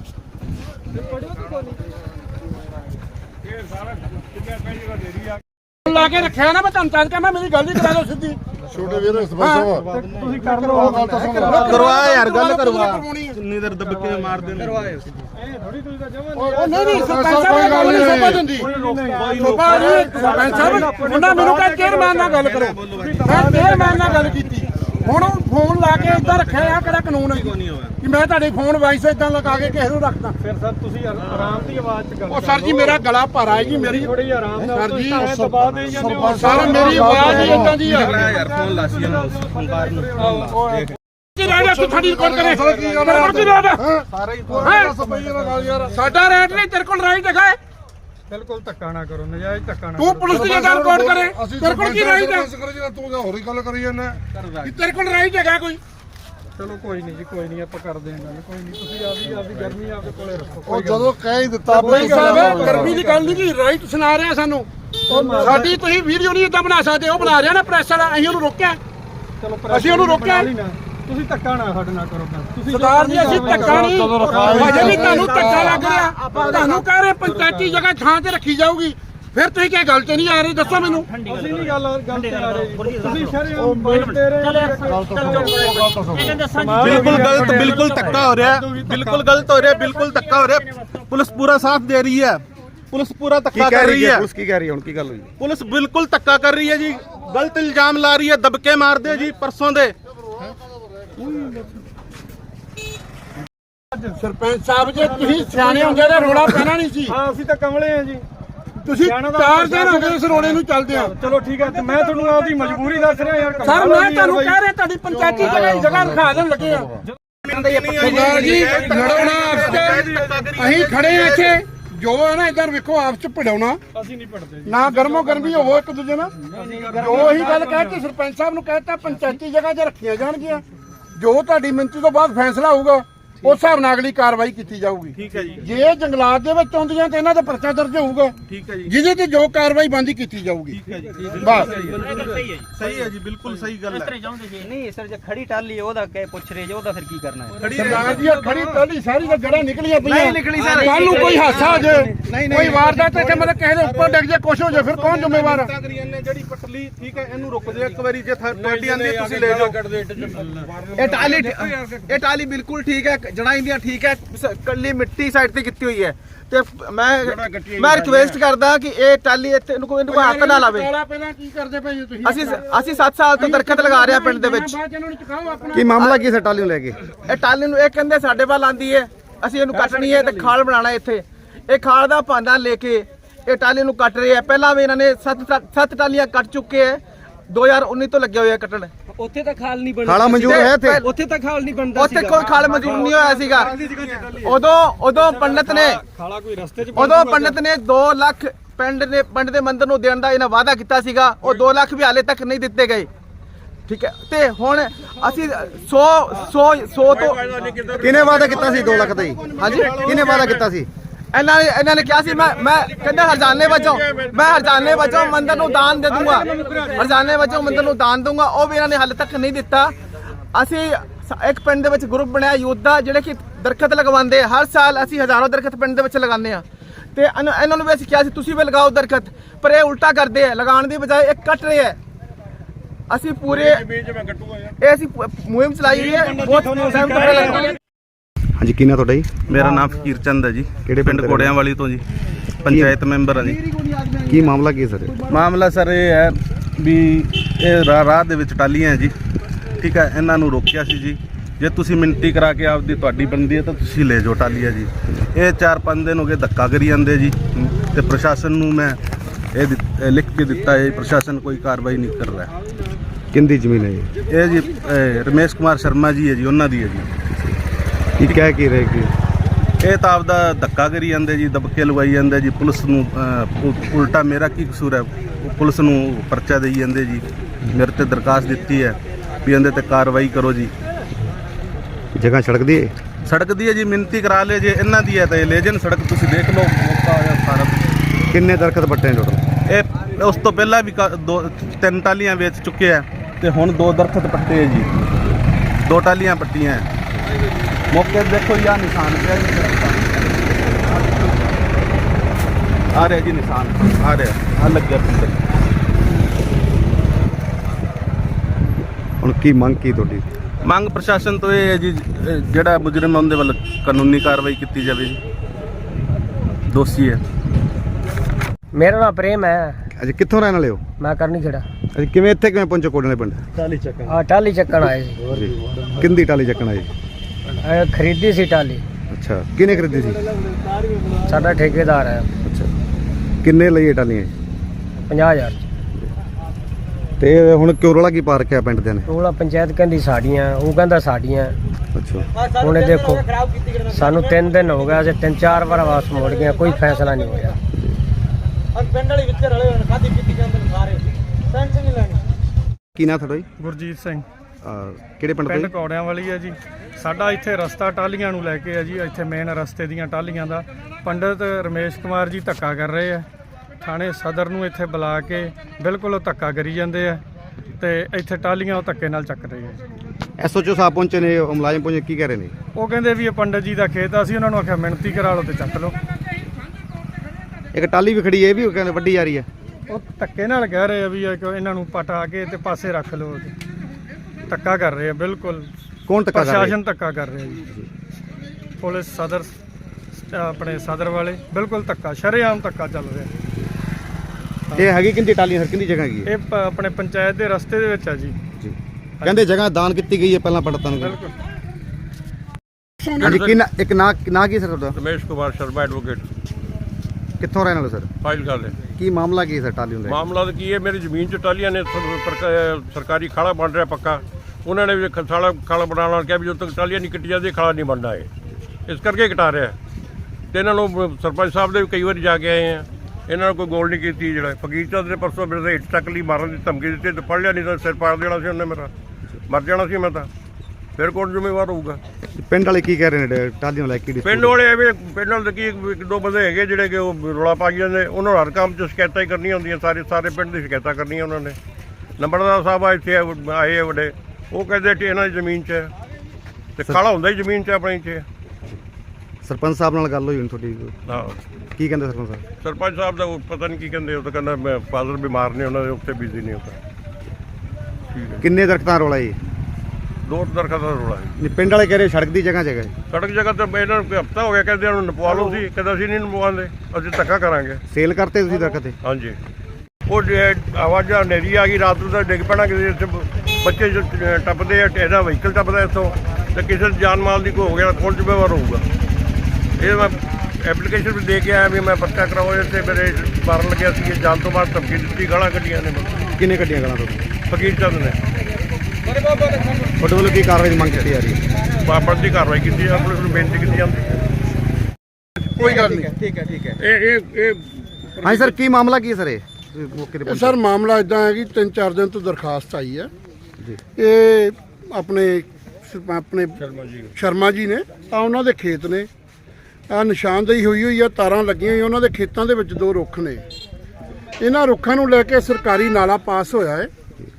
ਇਹ ਸਾਰਾ ਕਿੰਨਾ ਪਹਿਲੀ ਵਾਰ ਦੇਰੀ ਆ ਲਾ ਕੇ ਰੱਖਿਆ ਨਾ ਮੈਂ ਤੁਹਾਨੂੰ ਤਾਂ ਮੈਂ ਮੇਰੀ ਗੱਲ ਹੀ ਕਰਾ ਦਿਓ ਸਿੱਧੀ ਛੋਟੇ ਵੀਰ ਸਰਪੰਚ ਤੁਸੀਂ ਕਰ ਲਓ ਗੱਲ ਤਾਂ ਸੁਣ ਕਰਵਾ ਯਾਰ ਗੱਲ ਕਰਵਾ ਕਿੰਨੀ ਦਰ ਦੱਬ ਕੇ ਮਾਰਦੇ ਨੇ ਉਹ ਨਹੀਂ ਨਹੀਂ ਸਰਪੰਚ ਸਾਹਿਬ ਗੱਲ ਨਹੀਂ ਸੋਭਾ ਦਿੰਦੀ ਸੋਭਾ ਨਹੀਂ ਸਰਪੰਚ ਸਾਹਿਬ ਮੁੰਡਾ ਮੈਨੂੰ ਕਹੇ ਚੇਅਰਮੈਨ ਨਾਲ ਗੱਲ ਕਰੋ ਮੈਂ ਚੇਅਰਮੈਨ ਨਾਲ ਗੱਲ ਕੀਤੀ ਹੁਣ ਫੋਨ ਲਾ ਕੇ ਇਦਾਂ ਰੱਖਿਆ ਆ ਕਿਹੜਾ ਕਾਨੂੰਨ ਹੈ ਕਿ ਮੈਂ ਤੁਹਾਡੇ ਫੋਨ ਵਾਈਸ ਇਦਾਂ ਲਗਾ ਕੇ ਕਿਸੇ ਨੂੰ ਰੱਖਦਾ ਫਿਰ ਸਰ ਤੁਸੀਂ ਆਰਾਮ ਦੀ ਆਵਾਜ਼ ਚ ਗੱਲ ਉਹ ਸਰ ਜੀ ਮੇਰਾ ਗਲਾ ਭਾਰਾ ਹੈ ਜੀ ਮੇਰੀ ਥੋੜੀ ਆਰਾਮ ਨਾਲ ਸਰ ਜੀ ਦਬਾ ਦੇ ਜਾਂਦੇ ਹੋ ਸਰ ਮੇਰੀ ਆਵਾਜ਼ ਹੀ ਇਦਾਂ ਦੀ ਆ ਯਾਰ ਫੋਨ ਲਾਸੀਆਂ ਨੂੰ ਸੰਕਾਰ ਨੂੰ ਕੀ ਰਾਜਾ ਤੂੰ ਸਾਡੀ ਰਿਕਾਰਡ ਕਰੇ ਰਿਕਾਰਡ ਕੀ ਰਾਜਾ ਸਾਰਾ ਹੀ ਸਾਡਾ ਰੇਟ ਨਹੀਂ ਤੇਰੇ ਕੋਲ ਰਾਈਟ ਹੈਗਾ ਬਿਲਕੁਲ ਧੱਕਾ ਨਾ ਕਰੋ ਨਜਾਇਜ਼ ਧੱਕਾ ਨਾ ਤੂੰ ਪੁਲਿਸ ਦੀ ਜਗ੍ਹਾ ਰਿਕਾਰਡ ਕਰੇ ਤੇਰੇ ਕੋਲ ਕੀ ਰਾਈਟ ਹੈ ਤੂੰ ਤਾਂ ਹੋਰ ਹੀ ਗੱਲ ਕਰੀ ਜਾਂਦਾ ਕਿ ਤੇਰੇ ਕੋਲ ਰਾਈਟ ਹੈਗਾ ਕੋਈ ਚਲੋ ਕੋਈ ਨਹੀਂ ਜੀ ਕੋਈ ਨਹੀਂ ਆਪਾਂ ਕਰਦੇ ਹਾਂ ਗੱਲ ਕੋਈ ਨਹੀਂ ਤੁਸੀਂ ਆਪਦੀ ਆਪਦੀ ਗਰਮੀ ਆਪਦੇ ਕੋਲੇ ਰੱਖੋ ਉਹ ਜਦੋਂ ਕਹਿ ਹੀ ਦਿੱਤਾ ਭਾਈ ਸਾਹਿਬ ਗਰਮੀ ਦੀ ਗੱਲ ਨਹੀਂ ਜੀ ਰਾਈਟ ਸੁਣਾ ਰਿਹਾ ਸਾਨੂੰ ਸਾਡੀ ਤੁਸੀਂ ਵੀਡੀਓ ਨਹੀਂ ਇਦਾਂ ਬਣਾ ਸਕਦੇ ਉਹ ਬਣਾ ਰਿਹਾ ਨਾ ਪ੍ਰੈਸ ਵਾਲਾ ਅਸੀਂ ਉਹਨੂੰ ਰੋਕਿਆ ਚਲੋ ਅਸੀਂ ਉਹਨੂੰ ਰੋਕਿਆ ਤੁਸੀਂ ਧੱਕਾ ਨਾ ਸਾਡੇ ਨਾਲ ਕਰੋ ਤੁਸੀਂ ਸਰਦਾਰ ਜੀ ਅਸੀਂ ਧੱਕਾ ਨਹੀਂ ਅਜੇ ਵੀ ਤੁਹਾਨੂੰ ਧੱਕਾ ਲੱਗ ਰਿਹਾ ਤੁਹਾਨੂੰ ਕਹਿ ਰਹੇ ਪੰਚਾਇਤੀ ਜਗ੍ਹਾ ਥਾਂ ਤੇ ਰੱਖੀ ਜਾਊਗੀ ਫਿਰ ਤੁਸੀਂ ਕੀ ਗੱਲ ਤੇ ਨਹੀਂ ਆ ਰਹੇ ਦੱਸੋ ਮੈਨੂੰ। ਅਸੀਂ ਨਹੀਂ ਗੱਲ ਗੱਲ ਤੇ ਆ ਰਹੇ ਜੀ। ਤੁਸੀਂ ਸ਼ਰੇਆਮ ਬੋਲਦੇ ਰਹੇ ਬਿਲਕੁਲ ਗਲਤ, ਬਿਲਕੁਲ ਧੱਕਾ ਹੋ ਰਿਹਾ, ਬਿਲकुल गलत हो रहा है, बिल्कुल धक्का हो रहा है। पुलिस पूरा साथ दे रही है, पुलिस पूरा धक्का कर रही है। ਪੁਲਿਸ ਕੀ ਕਹਿ ਰਹੀ ਹੈ ਹੁਣ ਕੀ ਗੱਲ ਹੋਈ? पुलिस बिल्कुल धक्का कर रही है जी, गलत इल्जाम ला रही है, दबके मार दे जी परसों दे। ਸਰਪੰਚ ਸਾਹਿਬ ਜੇ ਤੁਸੀਂ ਸਿਆਣੇ ਹੁੰਦੇ ਤਾਂ ਰੋਲਾ ਪੈਣਾ ਨਹੀਂ ਸੀ। ਹਾਂ ਅਸੀਂ ਤਾਂ ਕਮਲੇ ਆ ਜੀ। ਤੁਸੀਂ ਚਾਰ ਦਿਨ ਹੋ ਗਏ ਇਸ ਰੋਲੇ ਨੂੰ ਚੱਲਦੇ ਆ। ਚਲੋ ਠੀਕ ਹੈ ਤੇ ਮੈਂ ਤੁਹਾਨੂੰ ਆਪਦੀ ਮਜਬੂਰੀ ਦੱਸ ਰਿਹਾ ਯਾਰ। ਸਰ ਮੈਂ ਤੁਹਾਨੂੰ ਕਹਿ ਰਿਹਾ ਤੁਹਾਡੀ ਪੰਚਾਇਤੀ ਜਗ੍ਹਾ ਜਗ੍ਹਾ ਰਖਾ ਦੇਣ ਲੱਗੇ ਆ। ਸਰਦਾਰ ਜੀ ਲੜੋਣਾ ਆਪਸ ਅਸੀਂ ਖੜੇ ਆ ਇੱਥੇ ਜੋ ਹੈ ਨਾ ਇੱਧਰ ਵੇਖੋ ਆਪਸ ਚ ਪੜਾਉਣਾ ਅਸੀਂ ਨਹੀਂ ਪੜਦੇ ਨਾ ਗਰਮੋ ਗਰਮੀ ਹੋਵੋ ਇੱਕ ਦੂਜੇ ਨਾਲ। ਜੋ ਇਹੀ ਗੱਲ ਕਹਿਤੀ ਸਰਪੰਚ ਸਾਹਿਬ ਨੂੰ ਕਹਿਤਾ ਪੰਚਾਇਤੀ ਜਗ੍ਹਾ 'ਚ ਰੱਖੀਆਂ ਜਾਣਗੀਆਂ। ਜੋ ਤੁਹਾਡੀ ਮਿਹਨਤੀ ਤੋਂ ਬਾਅਦ ਫੈਸਲਾ ਹੋਊਗਾ ਉਸ ਹਿਸਾਬ ਨਾਲ ਅਗਲੀ ਕਾਰਵਾਈ ਕੀਤੀ ਜਾਊਗੀ। ठीक है जी, ਜੇ ਇਹ ਜੰਗਲਾਤ ਦੇ ਵਿੱਚ ਆਉਂਦੀਆਂ ਤੇ ਇਹਨਾਂ ਦਾ ਪਰਚਾ ਦਰਜ ਹੋਊਗਾ। ठीक है जी, ਜਿਹਦੇ ਤੇ ਜੋ ਕਾਰਵਾਈ ਬੰਦੀ ਕੀਤੀ ਜਾਊਗੀ। ठीक है जी, ਬਸ सही है जी, बिल्कुल सही गल है। ਨਹੀਂ ਸਰ ਜੇ ਖੜੀ ਟਾਲੀ ਉਹਦਾ ਕਹਿ ਪੁੱਛ ਰਹੇ ਜੇ ਉਹਦਾ ਫਿਰ ਕੀ ਕਰਨਾ ਹੈ? ਸਰਦਾਰ ਜੀ ਇਹ ਖੜੀ ਟਾਲੀ ਸਾਰੀ ਦਾ ਜੜਾਂ ਨਿਕਲੀਆਂ ਪਈਆਂ। ਨਹੀਂ ਨਿਕਲੀ ਸਰ। ਕੱਲ ਨੂੰ ਕੋਈ ਹਾਦਸਾ ਹੋ ਜਾਏ ਕੋਈ ਵਾਰਦਾਤ ਇੱਥੇ ਮਤਲਬ ਕਿਸੇ ਦੇ ਉੱਪਰ ਡਿੱਗ ਜਾਏ ਕੁਛ ਹੋ ਜਾਏ ਫਿਰ ਕੌਣ ਜ਼ਿੰਮੇਵਾਰ ਆ? ਜਿਹੜੀ ਪਟਲੀ ਠੀਕ ਹੈ ਇਹਨੂੰ ਰੁਕ ਜਾਓ ਇੱਕ ਵਾਰੀ, ਜੇ ਤੁਹਾਡੀ ਆਂਦੀ ਤੁਸੀਂ ਲੈ ਜਾਓ। ਇਹ ਟਾਲੀ ਇਹ ਟਾਲੀ ਬਿਲਕੁਲ ਠੀਕ ਹੈ, ਜੜਾਂ ਇੰਦੀਆਂ ਠੀਕ ਹੈ, ਕੱਲੀ ਮਿੱਟੀ ਸਾਈਡ ਤੇ ਕੀਤੀ ਹੋਈ ਹੈ। ਤੇ ਮੈਂ ਮੈਂ ਰਿਕੁਐਸਟ ਕਰਦਾ ਕਿ ਇਹ ਟਾਲੀ ਇੱਥੇ ਇਹਨੂੰ ਕੋਈ ਹੱਥ ਨਾ ਲਾਵੇ। ਪਹਿਲਾਂ ਕੀ ਕਰਦੇ ਪਏ ਜੀ ਤੁਸੀਂ? ਅਸੀਂ ਅਸੀਂ ਸੱਤ ਸਾਲ ਤੋਂ ਦਰਖਤ ਲਗਾ ਰਹੇ ਹਾਂ ਪਿੰਡ ਦੇ ਵਿੱਚ। ਬਾਅਦ ਚ ਇਹਨਾਂ ਨੂੰ ਚੁਕਾਓ ਆਪਣਾ। ਕੀ ਮਾਮਲਾ ਕੀ ਹੈ ਸਰ ਟਾਲੀ ਨੂੰ ਲੈ ਕੇ? ਇਹ ਟਾਲੀ ਨੂੰ ਇਹ ਕਹਿੰਦੇ ਸਾਡੇ ਵੱਲ ਆਂਦੀ ਹੈ, ਅਸੀਂ ਇਹਨੂੰ ਕੱਟਣੀ ਹੈ ਤੇ ਖਾਲ ਬਣਾਉਣਾ ਇੱਥੇ। ਇਹ ਖਾਲ ਦਾ ਭਾਂਡਾ ਲੈ ਕੇ ਇਹ ਟਾਲੀ ਨੂੰ ਕੱਟ ਰਹੇ ਆ। ਪਹਿਲਾਂ ਵੀ ਇਹਨਾਂ ਨੇ ਸੱਤ ਸੱਤ ਟਾਲੀਆਂ ਕੱਟ ਚੁੱਕੇ ਹੈ। ਦੋ ਹਜ਼ਾਰ ਉੱਨੀ ਤੋਂ ਲੱਗੇ ਹੋਏ ਆ ਕੱਟਣ। ਉੱਥੇ ਤਾਂ ਖਾਲ ਨਹੀਂ ਬਣਦਾ। ਖਾਲਾ ਮਨਜ਼ੂਰ ਹੈ ਇੱਥੇ? ਉੱਥੇ ਤਾਂ ਖਾਲ ਨਹੀਂ ਬਣਦਾ ਉੱਥੇ ਕੋਈ ਖਾਲ ਮਨਜ਼ੂਰ ਨਹੀਂ ਹੋਇਆ ਸੀਗਾ। ਉਦੋਂ ਉਦੋਂ ਪੰਡਤ ਨੇ ਖਾਲਾ ਕੋਈ ਰਸਤੇ 'ਚ ਉਦੋਂ ਪੰਡਤ ਨੇ ਦੋ ਲੱਖ ਪਿੰਡ ਨੇ ਪਿੰਡ ਦੇ ਮੰਦਰ ਨੂੰ ਦੇਣ ਦਾ ਇਹਨਾਂ ਵਾਅਦਾ ਕੀਤਾ ਸੀਗਾ। ਉਹ ਦੋ ਲੱਖ ਵੀ ਹਾਲੇ ਤੱਕ ਨਹੀਂ ਦਿੱਤੇ ਗਏ। ਠੀਕ ਹੈ ਤੇ ਹੁਣ ਅਸੀਂ ਸੌ ਸੌ ਸੌ ਤੋਂ ਕਿਹਨੇ ਵਾਅਦਾ ਕੀਤਾ ਸੀ ਦੋ ਲੱਖ ਦਾ ਜੀ? ਹਾਂਜੀ ਕਿਹਨੇ ਵਾਅਦਾ ਕੀਤਾ ਸੀ? ਇਹਨਾਂ ਨੇ ਇਹਨਾਂ ਨੇ ਕਿਹਾ ਸੀ ਮੈਂ ਮੈਂ ਕਹਿੰਦਾ ਹਰਜਾਨੇ ਵਜੋਂ ਮੈਂ ਹਰਜਾਨੇ ਵਜੋਂ ਮੰਦਰ ਨੂੰ ਦਾਨ ਦੇ ਦੂੰਗਾ, ਹਰਜਾਨੇ ਵਜੋਂ ਮੰਦਰ ਨੂੰ ਦਾਨ ਦੂੰਗਾ। ਉਹ ਵੀ ਇਹਨਾਂ ਨੇ ਹਾਲੇ ਤੱਕ ਨਹੀਂ ਦਿੱਤਾ। ਅਸੀਂ ਇੱਕ ਪਿੰਡ ਦੇ ਵਿੱਚ ਗਰੁੱਪ ਬਣਾਇਆ ਯੂਥ ਦਾ ਜਿਹੜੇ ਕਿ ਦਰਖਤ ਲਗਵਾਉਂਦੇ। ਹਰ ਸਾਲ ਅਸੀਂ ਹਜ਼ਾਰਾਂ ਦਰਖਤ ਪਿੰਡ ਦੇ ਵਿੱਚ ਲਗਾਉਂਦੇ ਆ ਤੇ ਇਹਨਾਂ ਇਹਨਾਂ ਨੂੰ ਵੀ ਅਸੀਂ ਕਿਹਾ ਸੀ ਤੁਸੀਂ ਵੀ ਲਗਾਓ ਦਰਖਤ, ਪਰ ਇਹ ਉਲਟਾ ਕਰਦੇ ਆ, ਲਗਾਉਣ ਦੀ ਬਜਾਏ ਇਹ ਕੱਟ ਰਹੇ ਆ। ਅਸੀਂ ਪੂਰੇ ਇਹ ਅਸੀਂ ਮੁਹਿੰਮ ਚਲਾਈ ਹੋਈ ਹੈ। ਬਹੁਤ ਸਹਿਮਤ ਰਹੇ। ਹਾਂਜੀ ਕੀ ਨਾਂ ਤੁਹਾਡਾ ਜੀ? ਮੇਰਾ ਨਾਮ ਫਕੀਰ ਚੰਦ ਹੈ ਜੀ, ਕਿਹੜੇ ਪਿੰਡ ਪਿੰਡ ਕੋੜਿਆਂ ਵਾਲੀ ਤੋਂ ਜੀ, ਪੰਚਾਇਤ ਮੈਂਬਰ ਹਾਂ ਜੀ। ਕੀ ਮਾਮਲਾ ਕੀ ਹੈ ਸਰ? ਮਾਮਲਾ ਸਰ ਇਹ ਹੈ ਵੀ ਇਹ ਰਾ- ਰਾਹ ਦੇ ਵਿੱਚ ਟਾਲੀਆਂ ਜੀ, ਠੀਕ ਹੈ, ਇਹਨਾਂ ਨੂੰ ਰੋਕਿਆ ਸੀ ਜੀ। ਜੇ ਤੁਸੀਂ ਮਿੰਟੀ ਕਰਾ ਕੇ ਆਪਦੀ ਤੁਹਾਡੀ ਬਣਦੀ ਹੈ ਤਾਂ ਤੁਸੀਂ ਲੈ ਜਾਓ ਟਾਲੀਆਂ ਜੀ। ਇਹ ਚਾਰ ਪੰਜ ਦਿਨ ਹੋ ਗਏ ਧੱਕਾ ਕਰੀ ਜਾਂਦੇ ਜੀ ਤੇ ਪ੍ਰਸ਼ਾਸਨ ਨੂੰ ਮੈਂ ਇਹ ਦਿੱਤ- ਇਹ ਲਿਖ ਕੇ ਦਿੱਤਾ ਹੈ, ਪ੍ਰਸ਼ਾਸਨ ਕੋਈ ਕਾਰਵਾਈ ਨਹੀਂ ਕਰ ਰਿਹਾ। ਕਿੰਦੀ ਜ਼ਮੀਨ ਹੈ ਜੀ? ਇਹ ਜੀ ਇਹ ਰਮੇਸ਼ ਕੁਮਾਰ ਸ਼ਰਮਾ ਜੀ ਹੈ ਜੀ, ਉਹਨਾਂ ਦੀ ਹੈ ਜੀ। ਕੀ ਕਹਿ ਕੀ ਰਹੇ ਕਿ ਇਹ ਤਾਂ ਆਪਦਾ ਧੱਕਾ ਕਰੀ ਜਾਂਦੇ ਜੀ, ਦਬਕੇ ਲਵਾਈ ਜਾਂਦੇ ਜੀ। ਪੁਲਿਸ ਨੂੰ ਅਹ, ਉ- ਉਲਟਾ ਮੇਰਾ ਕੀ ਕਸੂਰ ਹੈ? ਉਹ ਪੁਲਿਸ ਨੂੰ ਪਰਚਾ ਦੇਈ ਜਾਂਦੇ ਜੀ। ਮੇਰੇ ਤੇ ਦਰਖਾਸਤ ਦਿੱਤੀ ਹੈ ਵੀ ਇਹਦੇ ਤੇ ਕਾਰਵਾਈ ਕਰੋ ਜੀ। ਜਗ੍ਹਾ ਸੜਕ ਦੀ ਹੈ? ਸੜਕ ਦੀ ਹੈ ਜੀ, ਮਿਹਨਤੀ ਕਰਾ ਲੇ ਜੇ ਇਹਨਾਂ ਦੀ ਹੈ ਤਾਂ ਇਹ ਲੈ ਜਾਣ ਸੜਕ, ਤੁਸੀਂ ਦੇਖ ਲਓ ਮੌਕਾ ਆਇਆ ਸਾਰਾ। ਕਿੰਨੇ ਦਰਖਤ ਪੱਟੇ ਨੇ ਟੋਟਲ? ਇਹ ਉਸ ਤੋਂ ਪਹਿਲਾਂ ਵੀ ਕ- ਦੋ ਤਿੰਨ ਟਾਲੀਆਂ ਵੇਚ ਚੁੱਕੇ ਆ ਤੇ ਹੁਣ ਦੋ ਦਰਖਤ ਪੱਟੇ ਹੈ ਜੀ, ਦੋ ਟਾਲੀਆਂ ਪੱਟੀਆਂ ਹੈ। ਮੌਕੇ ਤੇ ਦੇਖੋ ਯਾ ਨਿਸ਼ਾਨ ਪਿਆ ਜੀ ਸੜਕ ਦਾ। ਆ ਰਿਹਾ ਜੀ ਨਿਸ਼ਾਨ, ਆ ਰਿਹਾ, ਆ ਲੱਗਿਆ ਪਿੰਡ। ਹੁਣ ਕੀ ਮੰਗ ਕੀ ਤੁਹਾਡੀ? ਮੰਗ ਪ੍ਰਸ਼ਾਸਨ ਤੋਂ ਇਹ ਹੈ ਜੀ, ਇਹ ਜਿਹੜਾ ਮੁਜਰਮ ਹੈ ਉਹਦੇ ਵੱਲ ਕਾਨੂੰਨੀ ਕਾਰਵਾਈ ਕੀਤੀ ਜਾਵੇ ਜੀ, ਦੋਸ਼ੀ ਹੈ। ਮੇਰਾ ਨਾਮ ਪ੍ਰੇਮ ਹੈ। ਅੱਜ ਕਿੱਥੋਂ ਰਹਿਣ ਵਾਲੇ ਹੋ? ਮੈਂ ਕਰਨੀ ਖੜਾ ਅੱਜ ਕਿਵੇਂ ਇੱਥੇ ਕਿਵੇਂ ਪਹੁੰਚੇ ਕੋਟਲੇ ਪਿੰਡ? ਆ ਟਾਲੀ ਚੱਕਣ ਆਏ ਸੀ। ਜੀ ਕਿੰਦੀ ਟਾਲੀ ਚੱਕਣ ਆਏ? ਇਹ ਖਰੀਦੀ ਸੀ ਟਾਲੀ, ਅੱਛਾ ਕਿਹਨੇ ਖਰੀਦੀ ਸੀ? ਸਾਡਾ ਠੇਕੇਦਾਰ ਹੈ। ਅੱਛਾ ਕਿੰਨੇ ਲਈ ਇਹ ਟਾਲੀਆਂ? ਪੰਜਾਹ ਹਜ਼ਾਰ ਤੇ ਹੁਣ ਕਿਉਂ ਰੌਲਾ ਕੀ ਪਾ ਰੱਖਿਆ ਪਿੰਡ ਦੇ ਨੇ? ਰੋਲਾ ਪੰਚਾਇਤ ਕਹਿੰਦੀ ਸਾਡੀਆਂ, ਉਹ ਕਹਿੰਦਾ ਸਾਡੀਆਂ। ਅੱਛਾ ਹੁਣ ਇਹ ਦੇਖੋ ਸਾਨੂੰ ਤਿੰਨ ਦਿਨ ਹੋ ਗਏ, ਅਸੀਂ ਤਿੰਨ ਚਾਰ ਵਾਰ ਵਾਪਸ ਮੁੜ ਗਏ, ਕੋਈ ਫੈਸਲਾ ਨਹੀਂ ਹੋਇਆ। ਕੀ ਨਾਂ ਤੁਹਾਡਾ ਜੀ? ਗੁਰਜੀਤ ਸਿੰਘ, ਅਹ, ਕਿਹੜੇ ਪਿੰਡ ਪਿੰਡ ਤੋਂ? ਕੌੜਿਆਂ ਵਾਲੀ ਹੈ ਜੀ। ਸਾਡਾ ਇੱਥੇ ਰਸਤਾ ਟਾਲੀਆਂ ਨੂੰ ਲੈ ਕੇ ਹੈ ਜੀ। ਇੱਥੇ ਮੇਨ ਰਸਤੇ ਦੀਆਂ ਟਾਲੀਆਂ ਦਾ ਪੰਡਿਤ ਰਮੇਸ਼ ਕੁਮਾਰ ਜੀ ਧੱਕਾ ਕਰ ਰਹੇ ਆ। ਥਾਣੇ ਸਦਰ ਨੂੰ ਇੱਥੇ ਬੁਲਾ ਕੇ ਬਿਲਕੁਲ ਉਹ ਧੱਕਾ ਕਰੀ ਜਾਂਦੇ ਆ ਤੇ ਇੱਥੇ ਟਾਲੀਆਂ ਉਹ ਧੱਕੇ ਨਾਲ ਚੱਕ ਰਹੇ ਆ। ਐਸਓਚਓ ਸਾਹਿਬ ਪਹੁੰਚੇ ਨੇ, ਉਹ ਮੁਲਾਜ਼ਮ ਪਹੁੰਚੇ, ਕੀ ਕਹਿ ਰਹੇ ਨੇ? ਉਹ ਕਹਿੰਦੇ ਵੀ ਇਹ ਪੰਡਿਤ ਜੀ ਦਾ ਖੇਤ ਆ, ਅਸੀਂ ਉਹਨਾਂ ਨੂੰ ਆਖਿਆ ਮਿਹਨਤੀ ਕਰਾ ਲਓ ਤੇ ਚੱਕ ਲਓ। ਇੱਕ ਟਾਲੀ ਵੀ ਖੜੀ ਹੈ, ਇਹ ਵੀ ਕਹਿੰਦੇ ਵੱਡੀ ਜਾ ਰਹੀ ਹੈ। ਉਹ ਧੱਕੇ ਨਾਲ ਕਹਿ ਰਹੇ ਆ ਵੀ ਇਹ ਕਿ ਇਹਨਾਂ ਨੂੰ ਪਟਾ ਕੇ ਤੇ ਪਾਸੇ ਰੱਖ ਲਓ। ਧੱਕਾ ਕਰ ਰਹੇ ਆ, ਬਿਲਕੁਲ ਕੌਣ ਧੱਕਾ ਕਰ ਰਿਹਾ? ਪ੍ਰਸ਼ਾਸਨ ਧੱਕਾ ਕਰ ਰਿਹਾ ਜੀ। ਪੁਲਿਸ ਸਦਰ ਆਪਣੇ ਸਦਰ ਵਾਲੇ ਬਿਲਕੁਲ ਧੱਕਾ, ਸ਼ਰੇਆਮ ਧੱਕਾ ਚੱਲ ਰਿਹਾ। ਇਹ ਹੈਗੀ ਕਿੰਨੀ ਟਾਲੀਆਂ ਸਰ, ਕਿੰਨੀ ਜਗ੍ਹਾ ਹੈਗੀ ਹੈ? ਇਹ ਪ- ਆਪਣੇ ਪੰਚਾਇਤ ਦੇ ਰਸਤੇ ਦੇ ਵਿੱਚ ਆ ਜੀ। ਜੀ ਕਹਿੰਦੇ ਜਗ੍ਹਾ ਦਾਨ ਕੀਤੀ ਗਈ ਹੈ ਪਹਿਲਾਂ ਪੰਡਤਾਂ ਨੂੰ। ਬਿਲਕੁਲ। ਹਾਂਜੀ ਕੀ ਨਾਂ, ਇੱਕ ਨਾਂ ਨਾਂ ਕੀ ਸਰ ਤੁਹਾਡਾ? ਰਮੇਸ਼ ਕੁਮਾਰ ਸ਼ਰਮਾ ਐਡਵੋਕੇਟ, ਕਿੱਥੋਂ ਰਹਿਣ ਵਾਲੇ ਸਰ? ਫਾਈਲ ਕਰ ਲੈ। ਕੀ ਮਾਮਲਾ ਕੀ ਹੈ ਸਰ ਟਾਲੀ ਨੂੰ ਲੈ ਕੇ? ਮਾਮਲਾ ਤਾਂ ਕੀ ਹੈ, ਮੇਰੀ ਜ਼ਮੀਨ 'ਚ ਟਾਲੀਆਂ ਨੇ ਸਰ- ਸਰਕਾ- ਸਰਕਾਰੀ ਖਾਲਾ ਬਣ ਰਿਹਾ ਪੱਕਾ। ਉਹਨਾਂ ਨੇ ਵੀ ਖ- ਸਾਲਾ ਖਾਲਾ ਬਣਾਉਣ ਨਾਲ ਕਿਹਾ ਵੀ ਜਦੋਂ ਤੱਕ ਟਾਲੀਆਂ ਨਹੀਂ ਕੱਟੀ ਜਾਂਦੀ ਖਾਲਾ ਨਹੀਂ ਬਣਨਾ ਹੈ, ਇਸ ਕਰਕੇ ਕਟਾ ਰਿਹਾ। ਤੇ ਇਹਨਾਂ ਨੂੰ ਸਰਪੰਚ ਸਾਹਿਬ ਦੇ ਵੀ ਕਈ ਵਾਰੀ ਜਾ ਕੇ ਆਏ ਆ, ਇਹਨਾਂ ਨੇ ਕੋਈ ਗੋਲ ਨਹੀਂ ਕੀਤੀ। ਜਿਹੜਾ ਫਕੀਰ ਚੰਦ ਨੇ ਪਰਸੋਂ ਮੇਰੇ ਤੇ ਇੱਟ ਚੱਕ ਲਈ, ਮਾਰਨ ਦੀ ਧਮਕੀ ਦਿੱਤੀ ਤੇ ਪੜ ਲਿਆ, ਨਹੀਂ ਤਾਂ ਸਿਰ ਪਾੜ ਦੇਣਾ ਸੀ ਉਹਨੇ, ਮੇਰਾ ਮਰ ਜਾਣਾ ਸੀ ਮੈਂ ਤਾਂ। ਫਿਰ ਕੌਣ ਜ਼ਿੰਮੇਵਾਰ ਹੋਊਗਾ? ਪਿੰਡ ਵਾਲੇ ਕੀ ਕਹਿ ਰਹੇ ਨੇ ਟਾਲੀ ਨੂੰ ਲੈ ਕੇ? ਪਿੰਡ ਵਾਲੇ ਐਵੇਂ ਪਿੰਡ ਵਾਲੇ ਕੀ ਇੱਕ ਦੋ ਬੰਦੇ ਹੈਗੇ ਜਿਹੜੇ ਕਿ ਉਹ ਰੌਲਾ ਪਾ ਜਾਂਦੇ, ਉਹਨਾਂ ਨੂੰ ਹਰ ਕੰਮ 'ਚ ਸ਼ਿਕਾਇਤਾਂ ਹੀ ਕਰਨੀਆਂ ਹੁੰਦੀਆਂ, ਸਾਰੇ ਸਾਰੇ ਪਿੰਡ ਦੀ ਸ਼ਿਕਾਇਤਾਂ ਕਰਨੀਆਂ ਉਹਨਾਂ ਨੇ। ਨੰਬਰਦਾਰ ਸਾਹਿਬ ਆ ਇੱਥੇ ਆਏ ਆ ਵੱਡੇ, ਉਹ ਕਹਿੰਦੇ ਕਿ ਇਹਨਾਂ ਦੀ ਜ਼ਮੀਨ 'ਚ ਹੈ ਤੇ ਖਾਲਾ ਹੁੰਦਾ ਹੀ ਜ਼ਮੀਨ 'ਚ ਆਪਣੀ 'ਚ। ਸਰਪੰਚ ਸਾਹਿਬ ਨਾਲ ਗੱਲ ਹੋਈ ਹੁਣ ਤੁਹਾਡੀ? ਹਾਂ, ਕੀ ਕਹਿੰਦੇ ਸਰਪੰਚ ਸਾਹਿਬ? ਸਰਪੰਚ ਸਾਹਿਬ ਦਾ ਉਹ ਪਤਾ ਨਹੀਂ ਕੀ ਕਹਿੰਦੇ, ਉਹ ਤਾਂ ਕਹਿੰਦਾ ਮੈਂ ਫਾਦਰ ਬਿਮਾਰ ਨੇ, ਉਹਨਾਂ ਦੇ ਉੱਤੇ ਬਿਜ਼ੀ ਨਹੀਂ ਹੁੰਦਾ। ਠੀਕ ਹੈ, ਕਿੰਨੇ ਦਰਖਤਾਂ ਰੋਲਾ ਜੀ? ਦੋ ਦਰਖਤਾਂ ਦਾ ਰੌਲਾ ਹੈ। ਨਹੀਂ ਪਿੰਡ ਵਾਲੇ ਕਹਿ ਰਹੇ ਸੜਕ ਦੀ ਜਗ੍ਹਾ ਜਗ੍ਹਾ ਹੈ। ਸੜਕ ਜਗ੍ਹਾ ਤੇ ਇਹਨਾਂ ਨੂੰ ਹਫ਼ਤਾ ਹੋ ਗਿਆ ਕਹਿੰਦੇ ਉਹਨੂੰ ਨਪਵਾ ਲਓ ਸੀ, ਕਹਿੰਦਾ ਅਸੀਂ ਨਹੀਂ ਨਪਵਾਉਂਦੇ, ਅਸੀਂ ਧੱਕਾ ਕਰਾਂਗੇ। ਸੇਲ ਕਰਤੇ ਤੁਸੀਂ ਦਰਖਤ ਤੇ? ਹਾਂਜੀ, ਉਹ ਜੇ ਆਵਾਜ਼ਾਂ ਹਨੇਰੀ ਆ ਗਈ ਰਾਤ ਨੂੰ ਤਾਂ ਡਿੱਗ ਪੈਣਾ ਕਿਸੇ ਇੱਥੇ, ਬੱਚੇ ਜੋ ਟੱਪਦੇ ਆ, ਇਹਦਾ ਵਹੀਕਲ ਟੱਪਦਾ ਇੱਥੋਂ, ਤੇ ਕਿਸੇ ਦੀ ਜਾਨ ਮਾਲ ਦੀ ਕੋਈ ਹੋ ਗਿਆ, ਕੌਣ ਜ਼ਿੰਮੇਵਾਰ ਹੋਊਗਾ? ਇਹ ਮੈਂ ਐਪਲੀਕੇਸ਼ਨ ਵੀ ਦੇ ਕੇ ਆਇਆ ਵੀ ਮੈਂ ਪਰਚਾ ਕਰਾਓ, ਤੇ ਮੇਰੇ ਮਾਰਨ ਲੱਗਿਆ ਸੀ, ਜਾਨ ਤੋਂ ਬਾਅਦ ਧਮਕੀ ਦਿੱਤੀ, ਗਾਲਾਂ ਕੱਢੀਆਂ ਨੇ। ਕਿੰਨੇ ਕੱਢੀਆਂ ਗਾਲਾਂ ਤੋਂ? ਫਕੀਰ ਚੰਦ ਨੇ। ਤੁਹਾਡੇ ਵੱਲੋਂ ਕੀ ਕਾਰਵਾਈ ਦੀ ਮੰਗ ਕੀਤੀ ਜਾ ਰਹੀ ਹੈ? ਬਾਬਰ ਦੀ ਕਾਰਵਾਈ ਕੀਤੀ ਜਾ, ਪੁਲਿਸ ਨੂੰ ਬੇਨਤੀ ਕੀਤੀ ਜਾਂਦੀ। ਕੋਈ ਗੱਲ ਨਹੀਂ। ਠੀਕ ਹੈ ਠੀਕ ਹੈ। ਇਹ ਇਹ ਇਹ ਹਾਂਜੀ ਸਰ ਕੀ ਮਾਮਲਾ ਕੀ ਹੈ ਸਰ? ਇਹ ਮੌਕੇ ਤੇ ਇਹ ਸਰ ਮਾਮਲਾ ਇਦਾਂ ਹੈ ਕਿ ਤਿੰਨ ਚਾਰ ਦਿਨ ਤੋਂ ਦਰਖਾਸਤ ਆਈ ਹੈ ਜੀ। ਇਹ ਆਪਣੇ ਸਰਪ- ਆਪਣੇ ਸ਼ਰਮਾ ਜੀ ਸ਼ਰਮਾ ਜੀ ਨੇ ਆ, ਉਹਨਾਂ ਦੇ ਖੇਤ ਨੇ, ਆ ਨਿਸ਼ਾਨਦੇਹੀ ਹੋਈ ਹੋਈ ਆ, ਤਾਰਾਂ ਲੱਗੀਆਂ ਹੋਈਆਂ ਉਹਨਾਂ ਦੇ ਖੇਤਾਂ ਦੇ ਵਿੱਚ। ਦੋ ਰੁੱਖ ਨੇ, ਇਹਨਾਂ ਰੁੱਖਾਂ ਨੂੰ ਲੈ ਕੇ ਸਰਕਾਰੀ ਨਾਲਾ ਪਾਸ ਹੋਇਆ ਹੈ,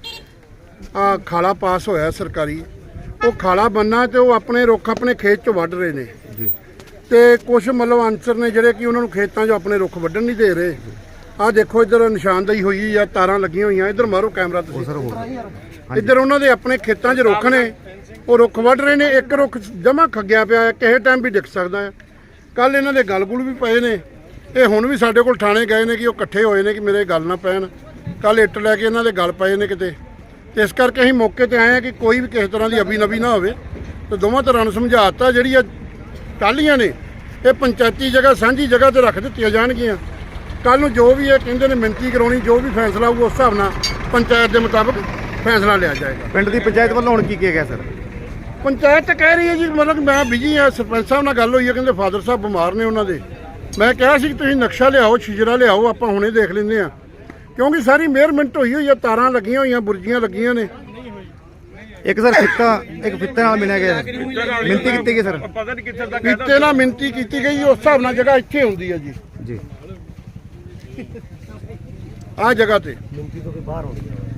ਆ ਖਾਲਾ ਪਾਸ ਹੋਇਆ ਸਰਕਾਰੀ। ਉਹ ਖਾਲਾ ਬੰਨਾ ਤੇ ਉਹ ਆਪਣੇ ਰੁੱਖ ਆਪਣੇ ਖੇਤ 'ਚ ਵੱਢ ਰਹੇ ਨੇ ਜੀ। ਤੇ ਕੁਝ ਮਤਲਬ ਅਨਸਰ ਨੇ ਜਿਹੜੇ ਕਿ ਉਹਨਾਂ ਨੂੰ ਖੇਤਾਂ 'ਚ ਆਪਣੇ ਰੁੱਖ ਵੱਢਣ ਨਹੀਂ ਦੇ ਰਹੇ। ਆ ਦੇਖੋ ਇੱਧਰ ਨਿਸ਼ਾਨਦੇਹੀ ਹੋਈ ਆ, ਤਾਰਾਂ ਲੱਗੀਆਂ ਹੋਈਆਂ। ਇੱਧਰ ਮਾਰੋ ਕੈਮਰਾ ਤੁਸੀਂ। ਸਰ ਹੋਰ ਇੱਧਰ ਉਹਨਾਂ ਦੇ ਆਪਣੇ ਖੇਤਾਂ 'ਚ ਰੁੱਖ ਨੇ, ਉਹ ਰੁੱਖ ਵੱਢ ਰਹੇ ਨੇ। ਇੱਕ ਰੁੱਖ ਜਮਾ ਖੱਗਿਆ ਪਿਆ ਹੈ, ਕਿਸੇ ਟਾਈਮ ਵੀ ਡਿੱਗ ਸਕਦਾ ਹੈ। ਕੱਲ ਇਹਨਾਂ ਦੇ ਗਲ ਗੁਲ ਵੀ ਪਏ ਨੇ। ਇਹ ਹੁਣ ਵੀ ਸਾਡੇ ਕੋਲ ਥਾਣੇ ਗਏ ਨੇ ਕਿ ਉਹ ਇਕੱਠੇ ਹੋਏ ਨੇ ਕਿ ਮੇਰੇ ਗੱਲ ਨਾ ਪੈਣ। ਕੱਲ ਇੱਟ ਲੈ ਕੇ ਇਹਨਾਂ ਦੇ ਗਲ ਪਏ ਨੇ ਕਿਤੇ। ਤੇ ਇਸ ਕਰਕੇ ਅਸੀਂ ਮੌਕੇ ਤੇ ਆਏ ਹਾਂ ਕਿ ਕੋਈ ਵੀ ਕਿਸੇ ਤਰ੍ਹਾਂ ਦੀ ਅਬੀ-ਨਬੀ ਨਾ ਹੋਵੇ। ਤੇ ਦੋਵਾਂ ਤਰ੍ਹਾਂ ਨੂੰ ਸਮਝਾਤਾ ਜਿਹੜੀ ਇਹ ਟਾਹਲੀਆਂ ਨੇ ਇਹ ਪੰਚਾਇਤੀ ਜਗ੍ਹਾ ਸਾਂਝੀ ਜਗ੍ਹਾ ਤੇ ਰੱਖ ਦਿੱਤੀਆਂ ਜਾਣਗੀਆਂ। ਕੱਲ ਨੂੰ ਜੋ ਵੀ ਇਹ ਕਹਿੰਦੇ ਨੇ ਮਿਣਤੀ ਕਰਾਉਣੀ, ਜੋ ਵੀ ਫੈਸਲਾ ਹੋਊਗਾ ਉਸ ਹਿਸਾਬ ਨਾਲ ਪੰਚਾਇਤ ਦੇ ਮੁਤਾਬਕ ਫੈਸਲਾ ਲਿਆ ਜਾਏਗਾ। ਪਿੰਡ ਦੀ ਪੰਚਾਇਤ ਵੱਲੋਂ ਹੁਣ ਕੀ ਕਿਹਾ ਗਿਆ ਸਰ? ਪੰਚਾਇਤ ਤਾਂ ਕਹਿ ਰਹੀ ਹੈ ਜੀ, ਮਤਲਬ ਮੈਂ ਬਿਜੀ ਹਾਂ। ਸਰਪੰਚ ਸਾਹਿਬ ਨਾਲ ਗੱਲ ਹੋਈ ਹੈ, ਕਹਿੰਦੇ ਫਾਦਰ ਸਾਹਿਬ ਬਿਮਾਰ ਨੇ ਉਹਨਾਂ ਦੇ। ਮੈਂ ਕਿਹਾ ਸੀ ਕਿ ਤੁਸੀਂ ਨਕਸ਼ਾ ਲਿਆਓ, ਸ਼ਿਜਰਾ ਲਿਆਓ, ਆਪਾਂ ਹੁਣੇ ਦੇਖ ਲੈਂਦੇ ਹਾਂ, ਕਿਉਂਕਿ ਸਾਰੀ ਮੇਅਰਮੈਂਟ ਹੋਈ ਹੋਈ ਹੈ, ਤਾਰਾਂ ਲੱਗੀਆਂ ਹੋਈਆਂ, ਬੁਰਜੀਆਂ ਲੱਗੀਆਂ ਨੇ। ਇੱਕ ਸਰ ਫਿੱਤਾ ਇੱਕ ਫਿੱਤੇ ਨਾਲ ਮਿਲਿਆ ਗਿਆ, ਮਿਹਨਤੀ ਕੀਤੀ ਗਈ ਸਰ। ਪਤਾ ਨਹੀਂ ਕਿੱਥੇ ਤੱਕ ਕਿਤੇ ਨਾਲ ਮਿਹਨਤੀ ਕੀਤੀ ਗਈ, ਉਸ ਹਿਸਾਬ ਨਾਲ ਜਗ੍ਹਾ ਇੱਥੇ ਹੁੰਦੀ ਹੈ ਜੀ। ਜੀ ਆਹ ਜਗ੍ਹਾ ਤੇ ਮਿੰਟੀ ਤੋਂ ਬਾਹਰ ਹੋ ਗਈ।